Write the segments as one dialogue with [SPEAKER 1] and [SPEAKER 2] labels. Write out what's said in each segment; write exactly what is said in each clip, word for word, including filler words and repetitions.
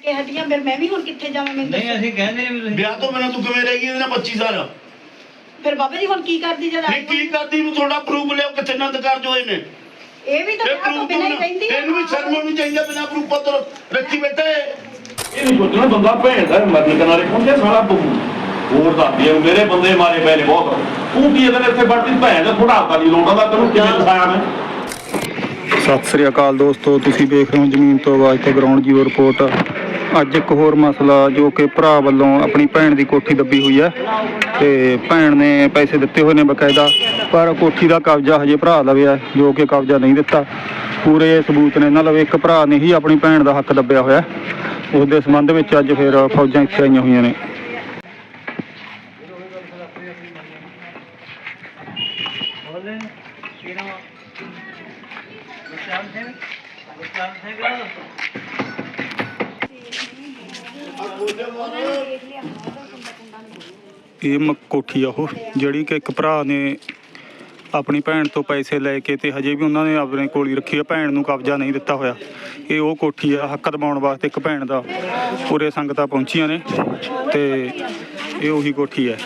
[SPEAKER 1] ਕੇ ਹਟੀਆਂ ਫਿਰ ਮੈਂ ਵੀ ਹੁਣ ਕਿੱਥੇ ਜਾਵਾਂ ਮੈਨੂੰ
[SPEAKER 2] ਨਹੀਂ ਅਸੀਂ ਕਹਿੰਦੇ ਨਹੀਂ ਤੁਸੀਂ
[SPEAKER 3] ਵਿਆਹ ਤੋਂ ਬਿਨਾਂ ਤੂੰ ਕਿਵੇਂ ਰਹਿ ਗਈ ਇਹਦੇ ਨਾਲ ਪੱਚੀ ਸਾਲ?
[SPEAKER 1] ਫਿਰ ਬਾਬਾ ਜੀ ਹੁਣ ਕੀ ਕਰਦੀ ਜਦ
[SPEAKER 3] ਨਹੀਂ ਕੀ ਕਰਦੀ ਨੂੰ ਥੋੜਾ ਪ੍ਰੂਫ ਲਿਓ ਕਿੱਥੇ ਨੰਦ ਕਾਰਜ ਹੋਏ ਨੇ।
[SPEAKER 1] ਇਹ ਵੀ ਤਾਂ
[SPEAKER 3] ਇਹ
[SPEAKER 1] ਵਿਆਹ ਤੋਂ
[SPEAKER 3] ਪ੍ਰੂਫ
[SPEAKER 1] ਬਿਨਾਂ ਹੀ ਰਹਿੰਦੀ ਆ।
[SPEAKER 3] ਇਹਨੂੰ ਵੀ ਸ਼ਰਮ ਆਉਣੀ ਚਾਹੀਦੀ ਆ ਬਿਨਾਂ ਪ੍ਰੂਫ ਪੱਤਰ ਰੱਖੀ ਬੈਠੇ। ਇਹ ਨਹੀਂ ਸੋਚਣਾ ਬੰਦਾ ਭੈਣ ਦਾ ਮਰਨ ਕਿਨਾਰੇ ਪਹੁੰਚਿਆ ਸਾਲਾ ਹੋਰ ਦੱਸਦੀ ਆ ਮੇਰੇ ਬੰਦੇ ਮਾਰੇ ਪਏ ਨੇ ਬਹੁਤ। ਤੂੰ ਕੀ ਇਹਦੇ ਇੱਥੇ ਵੜਦੀ ਭੈਣ ਦਾ ਥੋੜਾ ਨਹੀਂ ਲੋਟਾ ਦਾ ਤੈਨੂੰ ਕਿਵੇਂ ਦਿਖਾਇਆ ਮੈਂ।
[SPEAKER 4] ਸਤਿ ਸ੍ਰੀ ਅਕਾਲ ਦੋਸਤੋ, ਤੁਸੀਂ ਦੇਖ ਰਹੇ ਹੋ ਜ਼ਮੀਨ ਤੋਂ ਆਵਾਜ਼ ਤੇ ਗਰਾਊਂਡ ਜ਼ੀਰੋ ਰਿਪੋਰਟ। ਅੱਜ ਇੱਕ ਹੋਰ ਮਸਲਾ ਜੋ ਕਿ ਭਰਾ ਵੱਲੋਂ ਆਪਣੀ ਭੈਣ ਦੀ ਕੋਠੀ ਦੱਬੀ ਹੋਈ ਹੈ ਤੇ ਭੈਣ ਨੇ ਪੈਸੇ ਦਿੱਤੇ ਹੋਏ ਨੇ ਬਕਾਇਦਾ, ਪਰ ਕੋਠੀ ਦਾ ਕਬਜ਼ਾ ਹਜੇ ਭਰਾ ਲਵੇ ਹੈ ਜੋ ਕਿ ਕਬਜ਼ਾ ਨਹੀਂ ਦਿੱਤਾ। ਪੂਰੇ ਸਬੂਤ ਨੇ ਇਹਨਾਂ ਲਵੇ। ਇੱਕ ਭਰਾ ਨੇ ਹੀ ਆਪਣੀ ਭੈਣ ਦਾ ਹੱਕ ਦੱਬਿਆ ਹੋਇਆ। ਉਸ ਦੇ ਸੰਬੰਧ ਵਿੱਚ ਅੱਜ ਫਿਰ ਫੌਜਾਂ ਇੱਥੇ ਆਈਆਂ ਹੋਈਆਂ ਨੇ। ਇਹ ਮ ਕੋਠੀ ਆ ਉਹ ਜਿਹੜੀ ਕਿ ਇੱਕ ਭਰਾ ਨੇ ਆਪਣੀ ਭੈਣ ਤੋਂ ਪੈਸੇ ਲੈ ਕੇ ਤੇ ਹਜੇ ਵੀ ਉਹਨਾਂ ਨੇ ਆਪਣੇ ਕੋਲ ਹੀ ਰੱਖੀ ਆ। ਭੈਣ ਨੂੰ ਕਬਜ਼ਾ ਨਹੀਂ ਦਿੱਤਾ ਹੋਇਆ। ਇਹ ਉਹ ਕੋਠੀ ਆ ਹੱਕ ਦਿਵਾਉਣ ਵਾਸਤੇ ਇੱਕ ਭੈਣ ਦਾ ਪੂਰੇ ਸੰਗਤਾਂ ਪਹੁੰਚੀਆਂ ਨੇ ਤੇ ਇਹ ਉਹੀ ਕੋਠੀ ਹੈ।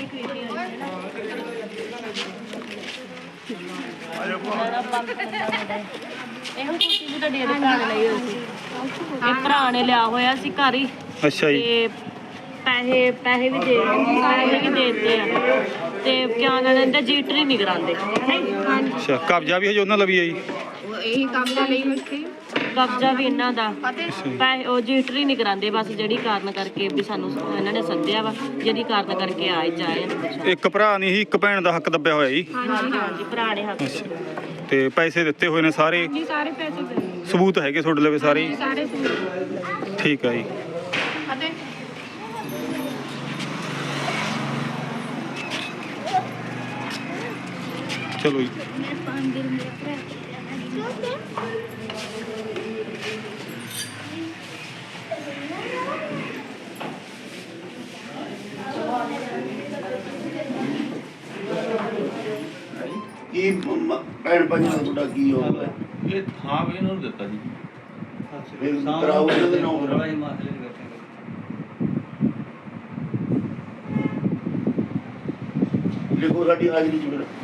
[SPEAKER 5] ਇਹੋ ਕੋਠੀ ਵੀ ਤੁਹਾਡੀ ਇਹਦੇ ਭਰਾ ਨੇ ਲਈ ਹੋਈ ਸੀ। ਇਹ ਭਰਾ ਨੇ ਲਿਆ ਹੋਇਆ ਸੀ ਘਰ ਹੀ।
[SPEAKER 4] ਅੱਛਾ ਜੀ।
[SPEAKER 5] ਤੇ ਪੈਸੇ ਪੈਸੇ ਵੀ ਦੇ ਪੈਸੇ ਵੀ ਦੇ ਦਿੱਤੇ ਆ ਤੇ ਕਿਆ ਨਾ ਲੈਂਦੇ ਜੀਟਰੀ ਨਹੀਂ ਕਰਾਉਂਦੇ।
[SPEAKER 4] ਅੱਛਾ, ਕਬਜ਼ਾ ਵੀ ਹਜੇ ਉਹਨਾਂ ਲਵੀ ਹੈ ਜੀ।
[SPEAKER 1] ਇਹੀ ਕਬਜ਼ਾ ਲਈ ਹੋਈ
[SPEAKER 5] ਕਬਜ਼ਾ ਵੀ ਇਹਨਾਂ ਦਾ ਪੈਸੇ ਉਹ ਜੀਟਰੀ ਨਹੀਂ ਕਰਾਉਂਦੇ ਬਸ ਜਿਹੜੀ ਕਾਰਨ ਕਰਕੇ ਵੀ ਸਾਨੂੰ ਇਹਨਾਂ ਨੇ ਸੱਦਿਆ ਵਾ ਜਿਹੜੀ ਕਾਰਨ ਕਰਕੇ ਆਏ ਜਾਏ।
[SPEAKER 4] ਇੱਕ ਭਰਾ ਨੇ ਹੀ ਇੱਕ ਭੈਣ ਦਾ ਹੱਕ ਦੱਬਿਆ ਹੋਇਆ ਜੀ।
[SPEAKER 5] ਹਾਂਜੀ ਹਾਂਜੀ ਭਰਾ ਨੇ ਹੱਕ
[SPEAKER 4] ਤੇ ਪੈਸੇ ਦਿੱਤੇ ਹੋਏ ਨੇ ਸਾਰੇ।
[SPEAKER 1] ਜੀ ਸਾਰੇ ਪੈਸੇ
[SPEAKER 4] ਸਬੂਤ ਹੈਗੇ ਤੁਹਾਡੇ ਲਵੇ ਸਾਰੇ?
[SPEAKER 1] ਸਾਰੇ
[SPEAKER 4] ਠੀਕ ਹੈ ਜੀ।
[SPEAKER 1] ਅਤੇ
[SPEAKER 4] ਚਲੋ ਜੀ।
[SPEAKER 3] ਕੀ ਭੈਣ ਭਾਈਆਂ ਦਾ ਤੁਹਾਡਾ ਕੀ ਹੋਊਗਾ?
[SPEAKER 6] ਇਹ ਥਾਂ ਵੀ ਇਹਨਾਂ ਨੂੰ ਦਿੱਤਾ ਜੀ।
[SPEAKER 3] ਫਿਰ ਕਰਾਓ ਇਹਨਾਂ ਦੇ ਨਾਮ
[SPEAKER 2] ਥੋੜਾ ਜਿਹਾ ਮਾਸਲੇ ਨੂੰ ਬੈਠੇ
[SPEAKER 3] ਲਿਖੋ ਸਾਡੀ ਹਾਜ਼ਰੀ ਚ ਫਿਰ।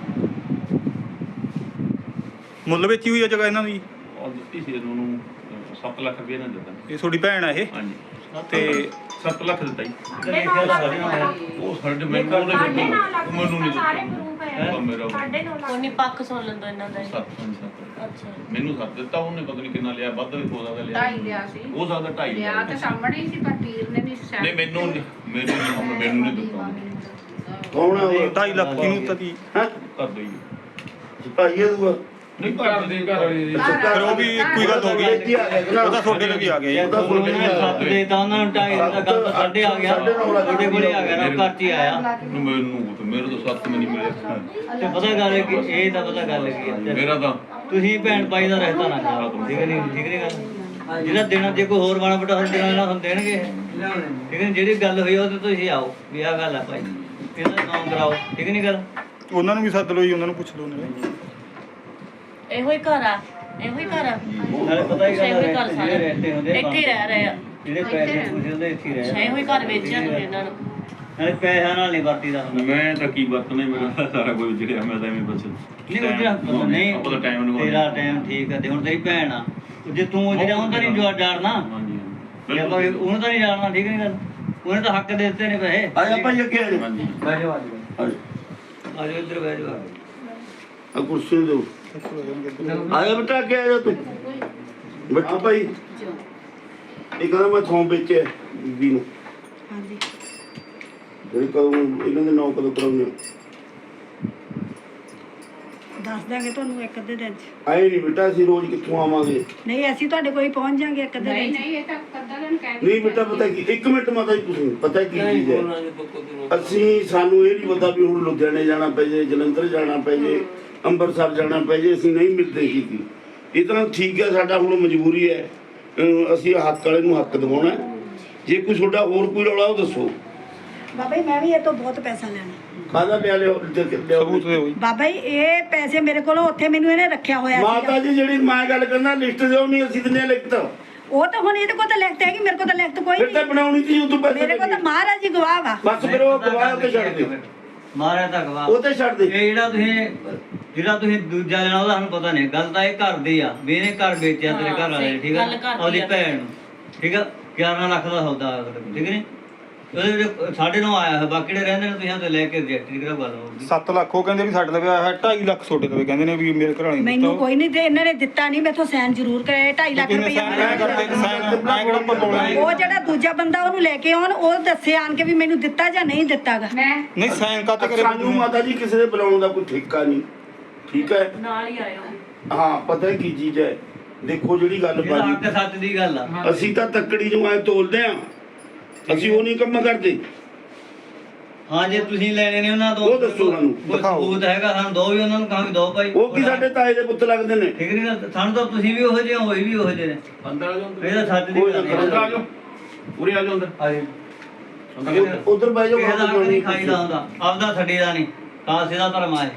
[SPEAKER 4] ਮੁੱਲ ਵਿੱਚ ਹੀ ਹੋਈ ਆ ਜਗ੍ਹਾ ਇਹਨਾਂ ਦੀ?
[SPEAKER 6] ਔਰ ਦਿੱਤੀ ਸੀ ਉਹਨੂੰ ਸੱਤ ਲੱਖ ਰੁਪਏ ਇਹਨਾਂ ਨੇ ਦਿੱਤਾ।
[SPEAKER 4] ਇਹ ਤੁਹਾਡੀ ਭੈਣ ਆ ਇਹ?
[SPEAKER 6] ਹਾਂਜੀ
[SPEAKER 4] ਤੇ
[SPEAKER 6] ਸੱਤ ਲੱਖ ਦਿੱਤਾ ਜੀ।
[SPEAKER 2] ਉਹ
[SPEAKER 6] ਉਹ ਸਾਡੇ ਮੈਨੂੰ ਉਹਨੇ ਦਿੱਤਾ ਮੈਨੂੰ ਨਹੀਂ ਦਿੱਤਾ। ਉਹ ਮੇਰਾ
[SPEAKER 5] ਉਹਨੇ ਪੱਖ ਸੁਣ ਲੈਂਦਾ ਇਹਨਾਂ ਦਾ।
[SPEAKER 6] ਸੱਤ ਪੰਜ ਸੱਤ
[SPEAKER 5] ਅੱਛਾ
[SPEAKER 6] ਮੈਨੂੰ ਸੱਤ ਦਿੱਤਾ ਉਹਨੇ ਪਤਾ ਨਹੀਂ ਕਿੰਨਾ ਲਿਆ ਵੱਧ ਵੀ ਹੋ ਸਕਦਾ ਲਿਆ।
[SPEAKER 1] ਢਾਈ ਲਿਆ ਸੀ।
[SPEAKER 6] ਹੋ ਸਕਦਾ ਢਾਈ
[SPEAKER 1] ਲਿਆ ਤਾਂ ਸਾਹਮਣੇ ਹੀ ਸੀ ਪਰ ਪੀਰ ਨੇ ਨਹੀਂ
[SPEAKER 6] ਨਹੀਂ ਮੈਨੂੰ ਨਹੀਂ ਮੈਨੂੰ ਨਹੀਂ ਮੈਨੂੰ ਨਹੀਂ ਦਿੱਤਾ ਉਹਨੇ।
[SPEAKER 3] ਕੌਣ ਆ ਉਹ?
[SPEAKER 4] ਢਾਈ ਲੱਖ ਕਿਹਨੂੰ ਤਾਂ ਦੀ?
[SPEAKER 3] ਹੈਂ?
[SPEAKER 6] ਕਰ ਦੋ ਜੀ।
[SPEAKER 3] ਭਾਈ ਇਹ ਦੂਆ
[SPEAKER 6] ਨਹੀਂ ਘਰ ਦੇ ਘਰ ਵਾਲੀ ਦੀ।
[SPEAKER 4] ਫਿਰ ਉਹ ਵੀ ਇੱਕੋ ਹੀ ਗੱਲ ਹੋ ਗਈ।
[SPEAKER 3] ਇੱਥੇ ਆ ਗਿਆ
[SPEAKER 4] ਉਹਦਾ ਤੁਹਾਡੇ ਲਈ ਵੀ ਆ ਗਿਆ
[SPEAKER 3] ਉਹਦਾ
[SPEAKER 2] ਉਹਨਾਂ ਨੇ ਸੱਤ ਦੇ ਤਾਂ ਉਹਨਾਂ ਨੂੰ ਢਾਈ ਦਾ ਗੱਲ ਤਾਂ ਸਾਡੇ ਆ ਗਿਆ। ਤੁਹਾਡੇ ਕੋਲੇ ਆ ਗਿਆ ਨਾ ਘਰ 'ਚ ਹੀ ਆਇਆ।
[SPEAKER 6] ਮੈਨੂੰ ਤੇ ਮੇਰੇ ਤੋਂ ਸੱਤ ਮੈਨੂੰ ਮਿਲਿਆ।
[SPEAKER 2] ਤੇ ਪਤਾ ਗੱਲ ਕਿ ਇਹ ਤਾਂ ਪਤਾ ਗੱਲ ਕੀ ਹੈ
[SPEAKER 6] ਮੇਰਾ ਤਾਂ
[SPEAKER 2] ਤੁਸੀਂ ਭੈਣ ਭਾਈ ਦਾ ਰਹਿਤਾ ਨਾ ਕਰੋ। ਠੀਕ ਨਹੀਂ ਠੀਕ ਨਹੀਂ ਗੱਲ ਜਿਹੜਾ ਦੇਣਾ ਜੇ ਕੋਈ ਹੋਰ ਮਾੜਾ ਮੋਟਾ ਦੇਣਾ ਨਾ ਤੁਹਾਨੂੰ ਦੇਣਗੇ। ਠੀਕ ਹੈ ਜਿਹੜੀ ਗੱਲ ਹੋਈ ਉਹ ਤੇ ਤੁਸੀਂ ਆਓ ਵੀ ਆਹ ਗੱਲ ਆ ਭਾਈ ਇਹਦਾ ਨਾਮ ਕਰਾਓ। ਠੀਕ ਨਹੀਂ ਗੱਲ
[SPEAKER 4] ਉਹਨਾਂ ਨੂੰ ਵੀ ਸੱਦ ਲਓ ਜੀ, ਉਹਨਾਂ ਨੂੰ ਪੁੱਛ ਲਓ ਨੇ।
[SPEAKER 5] ਇਹੋ ਹੀ ਘਰ ਆ ਇਹੋ ਹੀ ਘਰ ਆ।
[SPEAKER 2] ਨਾਲੇ ਪਤਾ ਹੀ
[SPEAKER 5] ਇਹੋ ਹੀ
[SPEAKER 2] ਗੱਲ
[SPEAKER 5] ਘਰ
[SPEAKER 2] ਜਿਹੜੇ
[SPEAKER 5] ਸਾਰੇ
[SPEAKER 2] ਰਹਿੰਦੇ ਹੁੰਦੇ
[SPEAKER 5] ਇੱਥੇ ਹੀ ਰਹਿ ਰਹੇ ਆ।
[SPEAKER 2] ਜਿਹੜੇ ਪੈਸੇ ਪੂਸੇ ਹੁੰਦੇ ਇੱਥੇ ਹੀ ਰਹਿ
[SPEAKER 5] ਇਹੋ ਹੀ ਘਰ ਵੇਚਿਆ ਤੁਸੀਂ ਇਹਨਾਂ ਨੂੰ।
[SPEAKER 2] ਨਾਲੇ ਪੈਸਿਆਂ ਨਾਲ ਨਹੀਂ ਵਰਤੀਦਾ ਹੁੰਦਾ।
[SPEAKER 6] ਮੈਂ ਤਾਂ ਕੀ ਵਰਤਣਾ ਮੇਰਾ ਸਾਰਾ ਕੁਝ ਜਿਹੜਾ ਮੈਂ ਤਾਂ ਐਵੇਂ ਬਸ
[SPEAKER 2] ਨਹੀਂ ਉਹ ਨਹੀਂ
[SPEAKER 6] ਆਪਣਾ ਟਾਈਮ ਨੂੰ
[SPEAKER 2] ਤੇਰਾ ਟਾਈਮ ਠੀਕ ਹੈ ਤੇ ਹੁਣ ਤੇਰੀ ਭੈਣ ਆ ਜੇ ਤੂੰ ਜਿਹੜਾ ਹੁੰਦਾ ਨਹੀਂ ਜੋ ਡਰਨਾ
[SPEAKER 6] ਹਾਂਜੀ
[SPEAKER 2] ਜੇ ਆਪਾਂ ਉਹਨੂੰ ਤਾਂ ਨਹੀਂ ਜਾਣਨਾ। ਠੀਕ ਨਹੀਂ ਗੱਲ ਉਹਨੇ ਤਾਂ ਹੱਕ ਦੇ ਦਿੱਤੇ ਨੇ ਪੈਸੇ।
[SPEAKER 3] ਆ ਜਾ ਭਾਈ ਅੱਗੇ ਆ ਜਾ।
[SPEAKER 6] ਹਾਂਜੀ
[SPEAKER 2] ਬਹਿ ਜਾਓ ਆ ਜਾਓ
[SPEAKER 3] ਆ ਜਾ।
[SPEAKER 2] ਆ ਜਾਓ ਇੱਧਰ ਬਹਿ ਜਾਓ
[SPEAKER 3] ਆ ਕੁਰਸੀ ਦਿਓ। ਆ ਜਾ ਬੇਟਾ ਅੱਗੇ ਆ ਜਾ ਤੂੰ। ਬੈਠੋ ਭਾਈ। ਇਹ ਕਹਿੰਦਾ ਮੈਂ ਥੋਂ ਵੇਚਿਆ ਬੀਬੀ ਨੂੰ।
[SPEAKER 1] ਹਾਂਜੀ
[SPEAKER 3] ਜਿਹੜੀ ਕਦੋਂ ਇਹਨਾਂ ਦੇ ਨਾਂ ਕਦੋਂ ਕਰਾਉਂਦੇ?
[SPEAKER 1] ਦੱਸ ਦਾਂਗੇ ਤੁਹਾਨੂੰ ਇੱਕ ਅੱਧੇ ਦਿਨ ਚ।
[SPEAKER 3] ਆਏ ਨਹੀਂ ਬੇਟਾ ਅਸੀਂ ਰੋਜ਼ ਕਿੱਥੋਂ ਆਵਾਂਗੇ?
[SPEAKER 1] ਨਹੀਂ ਅਸੀਂ ਤੁਹਾਡੇ ਕੋਲ ਹੀ ਪਹੁੰਚ ਜਾਾਂਗੇ ਇੱਕ ਅੱਧੇ ਦਿਨ ਚ।
[SPEAKER 7] ਨਹੀਂ ਇਹ ਤਾਂ ਕੱਦਾ ਦਿਨ ਕਹਿ
[SPEAKER 3] ਨਹੀਂ ਬੇਟਾ ਪਤਾ ਕੀ ਇੱਕ ਮਿੰਟ ਮਾਤਾ ਜੀ ਤੁਸੀਂ ਪਤਾ ਕੀ ਚੀਜ਼ ਹੈ ਅਸੀਂ ਸਾਨੂੰ ਇਹ ਨਹੀਂ ਪਤਾ ਵੀ ਹੁਣ ਲੁਧਿਆਣੇ ਜਾਣਾ ਪੈ ਜੇ ਜਲੰਧਰ ਜਾਣਾ ਪੈ ਜੇ ਅੰਮ੍ਰਿਤਸਰ ਜਾਣਾ ਪੈ ਜੇ ਅਸੀਂ ਨਹੀਂ ਮਿਲਦੇ ਕੀਤੀ। ਇਹ ਤਾਂ ਠੀਕ ਹੈ ਸਾਡਾ ਹੁਣ ਮਜਬੂਰੀ ਹੈ। ਅਹ ਅਸੀਂ ਹੱਕ ਵਾਲੇ ਨੂੰ ਹੱਕ ਦਿਵਾਉਣਾ। ਜੇ ਕੋਈ ਤੁਹਾਡਾ ਹੋਰ ਕੋਈ ਰੌਲਾ ਉਹ ਦੱਸੋ।
[SPEAKER 1] ਬਾਬਾ ਜੀ ਮੈਂ ਵੀ ਇਹ ਤੋਂ ਬਹੁਤ ਪੈਸਾ ਲੈਣਾ।
[SPEAKER 3] ਕਾਹਦਾ ਲਿਆ ਲਿਓ
[SPEAKER 4] ਸਬੂਤ ਦਿਓ ਜੀ।
[SPEAKER 1] ਬਾਬਾ ਜੀ ਇਹ ਪੈਸੇ ਮੇਰੇ ਕੋਲ ਉੱਥੇ ਮੈਨੂੰ ਇਹਨੇ ਰੱਖਿਆ ਹੋਇਆ
[SPEAKER 3] ਮਾਤਾ
[SPEAKER 1] ਸੀਗਾ।
[SPEAKER 3] ਜੀ ਜਿਹੜੀ ਮੈਂ ਗੱਲ ਕਰਨਾ ਲਿਸਟ ਦਿਓ ਨਹੀਂ ਅਸੀਂ ਦਿੰਦੇ ਲਿਖਤ।
[SPEAKER 1] ਉਹ ਤਾਂ ਹੁਣ ਇਹਦੇ ਕੋਲ ਤਾਂ ਲਿਖਤ ਹੈਗੀ, ਮੇਰੇ ਕੋਲ ਤਾਂ ਲਿਖਤ ਕੋਈ
[SPEAKER 3] ਫਿਰ ਤਾਂ
[SPEAKER 1] ਨਹੀਂ।
[SPEAKER 3] ਬਣਾਉਣੀ ਸੀ ਉਹ ਤੋਂ ਪੈਸੇ
[SPEAKER 1] ਮੇਰੇ ਕੋਲ ਤਾਂ ਮਹਾਰਾਜ ਜੀ ਗਵਾਹ ਵਾ।
[SPEAKER 3] ਬਸ ਫਿਰ ਉਹ ਗਵਾਹ ਤੇ ਛੱਡ ਦੇ,
[SPEAKER 2] ਮਾਰਿਆ ਤਾਂ ਗਵਾ
[SPEAKER 3] ਉਹ ਤੇ ਛੱਡ ਦੇ।
[SPEAKER 2] ਇਹ ਜਿਹੜਾ ਤੁਸੀਂ ਜਿਹੜਾ ਤੁਸੀਂ ਦੂਜਾ ਲੈਣਾ ਉਹਦਾ ਸਾਨੂੰ ਪਤਾ ਨਹੀਂ, ਗੱਲ ਤਾਂ ਇਹ ਘਰ ਦੀ ਆ ਵੀ ਇਹਨੇ ਘਰ ਵੇਚਿਆ ਤੇਰੇ ਘਰ ਵਾਲੇ ਨੇ, ਠੀਕ ਆ,
[SPEAKER 5] ਗੱਲ ਘਰ ਦੀ
[SPEAKER 2] ਉਹਦੀ
[SPEAKER 5] ਆ।
[SPEAKER 2] ਭੈਣ ਨੂੰ, ਠੀਕ ਆ, ਗਿਆਰਾਂ ਲੱਖ ਦਾ ਸੌਦਾ ਹੋਇਆ ਤੁਹਾਡੇ ਕੋਲ, ਠੀਕ ਨਹੀਂ? ਉਹਦੇ ਵਿੱਚ ਸਾਡੇ ਨੂੰ ਆਇਆ ਹੈ, ਬਾਕੀ ਜਿਹੜੇ ਰਹਿੰਦੇ ਨੇ ਤੁਸੀਂ ਉਹਦੇ ਲੈ ਕੇ ਰਿਜੈਕਟ ਦੀ ਕਿਹੜਾ ਗੱਲ ਹੋਊਗੀ।
[SPEAKER 4] ਸੱਤ ਲੱਖ ਉਹ ਕਹਿੰਦੇ ਵੀ ਸਾਡੇ ਲਵੇ ਆਇਆ ਢਾਈ ਲੱਖ ਛੋਟੇ ਲਵੇ ਕਹਿੰਦੇ ਨੇ ਵੀ ਮੇਰੇ ਘਰ ਵਾਲੀ
[SPEAKER 1] ਮੈਨੂੰ ਕੋਈ ਨਹੀਂ ਤੇ ਇਹਨਾਂ ਨੇ ਦਿੱਤਾ ਨਹੀਂ, ਮੈਥੋਂ ਸਾਈਨ ਜ਼ਰੂਰ ਕਰਾਏ ਢਾਈ ਲੱਖ
[SPEAKER 4] ਕਿੰਨੇ
[SPEAKER 1] ਰੁਪਇਆ
[SPEAKER 4] ਸਾਈਨ ਮੈਂ ਕਰਦੇ ਸਾਈਨ ਮੈਂ ਕਿਹੜਾ ਪਪੋਲਾ
[SPEAKER 1] ਉਹ ਜਿਹੜਾ ਦੂਜਾ ਬੰਦਾ ਉਹਨੂੰ ਲੈ ਕੇ ਆਉਣ, ਉਹ ਦੱਸੇ ਆਣ ਕੇ ਵੀ ਮੈਨੂੰ ਦਿੱਤਾ ਜਾਂ ਨਹੀਂ ਦਿੱਤਾਗਾ।
[SPEAKER 6] ਮੈਂ
[SPEAKER 4] ਨਹੀਂ ਸਾਈਨ ਕਾਤੇ ਕਰੇ
[SPEAKER 3] ਸਾਨੂੰ ਮਾਤਾ ਜੀ ਕਿਸੇ ਦੇ ਬੁਲਾਉਣ ਦਾ ਕੋਈ ਠੇਕਾ ਨਹੀਂ, ਠੀਕ ਹੈ?
[SPEAKER 5] ਨਾਲ ਹੀ ਆਏ ਹੋ।
[SPEAKER 3] ਹਾਂ ਪਤਾ ਕੀ ਚੀਜ਼ ਹੈ, ਦੇਖੋ ਜਿਹੜੀ ਗੱਲ
[SPEAKER 2] ਇਹ ਤਾਂ
[SPEAKER 3] ਬਾਜੀ
[SPEAKER 2] ਹੱਕ ਸੱਚ ਦੀ ਗੱਲ ਆ।
[SPEAKER 3] ਅਸੀਂ ਤਾਂ ਤੱਕੜੀ ਨੂੰ ਐ ਤੋਲਦੇ ਆ, ਅਸੀਂ ਉਹ ਨਹੀਂ ਕੰਮ ਕਰਦੇ।
[SPEAKER 2] ਹਾਂ ਜੇ ਤੁਸੀਂ ਲੈਣੇ ਨੇ ਉਹਨਾਂ ਤੋਂ
[SPEAKER 3] ਉਹ ਦੱਸੋ ਸਾਨੂੰ,
[SPEAKER 2] ਕੋਈ
[SPEAKER 4] ਦਿਖਾਓ।
[SPEAKER 2] ਸਬੂਤ ਹੈਗਾ ਸਾਨੂੰ ਦੋ ਵੀ ਉਹਨਾਂ ਨੂੰ ਕਹਾਂ ਵੀ ਦੋ ਭਾਈ।
[SPEAKER 3] ਉਹ ਕੀ ਸਾਡੇ ਤਾਏ ਦੇ ਪੁੱਤ ਲੱਗਦੇ ਨੇ?
[SPEAKER 2] ਠੀਕ ਨਹੀਂ ਨਾ, ਸਾਨੂੰ ਤਾਂ ਤੁਸੀਂ ਵੀ ਉਹੋ ਜਿਹੇ ਹੋ, ਇਹ ਵੀ ਉਹੋ ਜਿਹੇ ਨੇ।
[SPEAKER 7] ਅੰਦਰ ਆ ਜਾਓ,
[SPEAKER 2] ਇਹ ਤਾਂ ਸੱਚ ਦੀ
[SPEAKER 3] ਕੋਈ ਨਾ
[SPEAKER 2] ਗੱਲ ਹੈ।
[SPEAKER 7] ਅੰਦਰ ਆ ਜਾਓ, ਉਰੇ ਆ ਜਾਓ ਅੰਦਰ।
[SPEAKER 2] ਆ ਜੀ।
[SPEAKER 3] ਉਧਰ ਬਹਿ ਜਾਓ,
[SPEAKER 2] ਕਿਸੇ ਦਾ ਹੱਕ ਨਹੀਂ ਖਾਈਦਾ ਹੁੰਦਾ, ਆਪਦਾ ਛੱਡੀ ਦਾ ਨਹੀਂ, ਕਾਸੇ ਦਾ ਧਰਮ ਆ ਇਹ।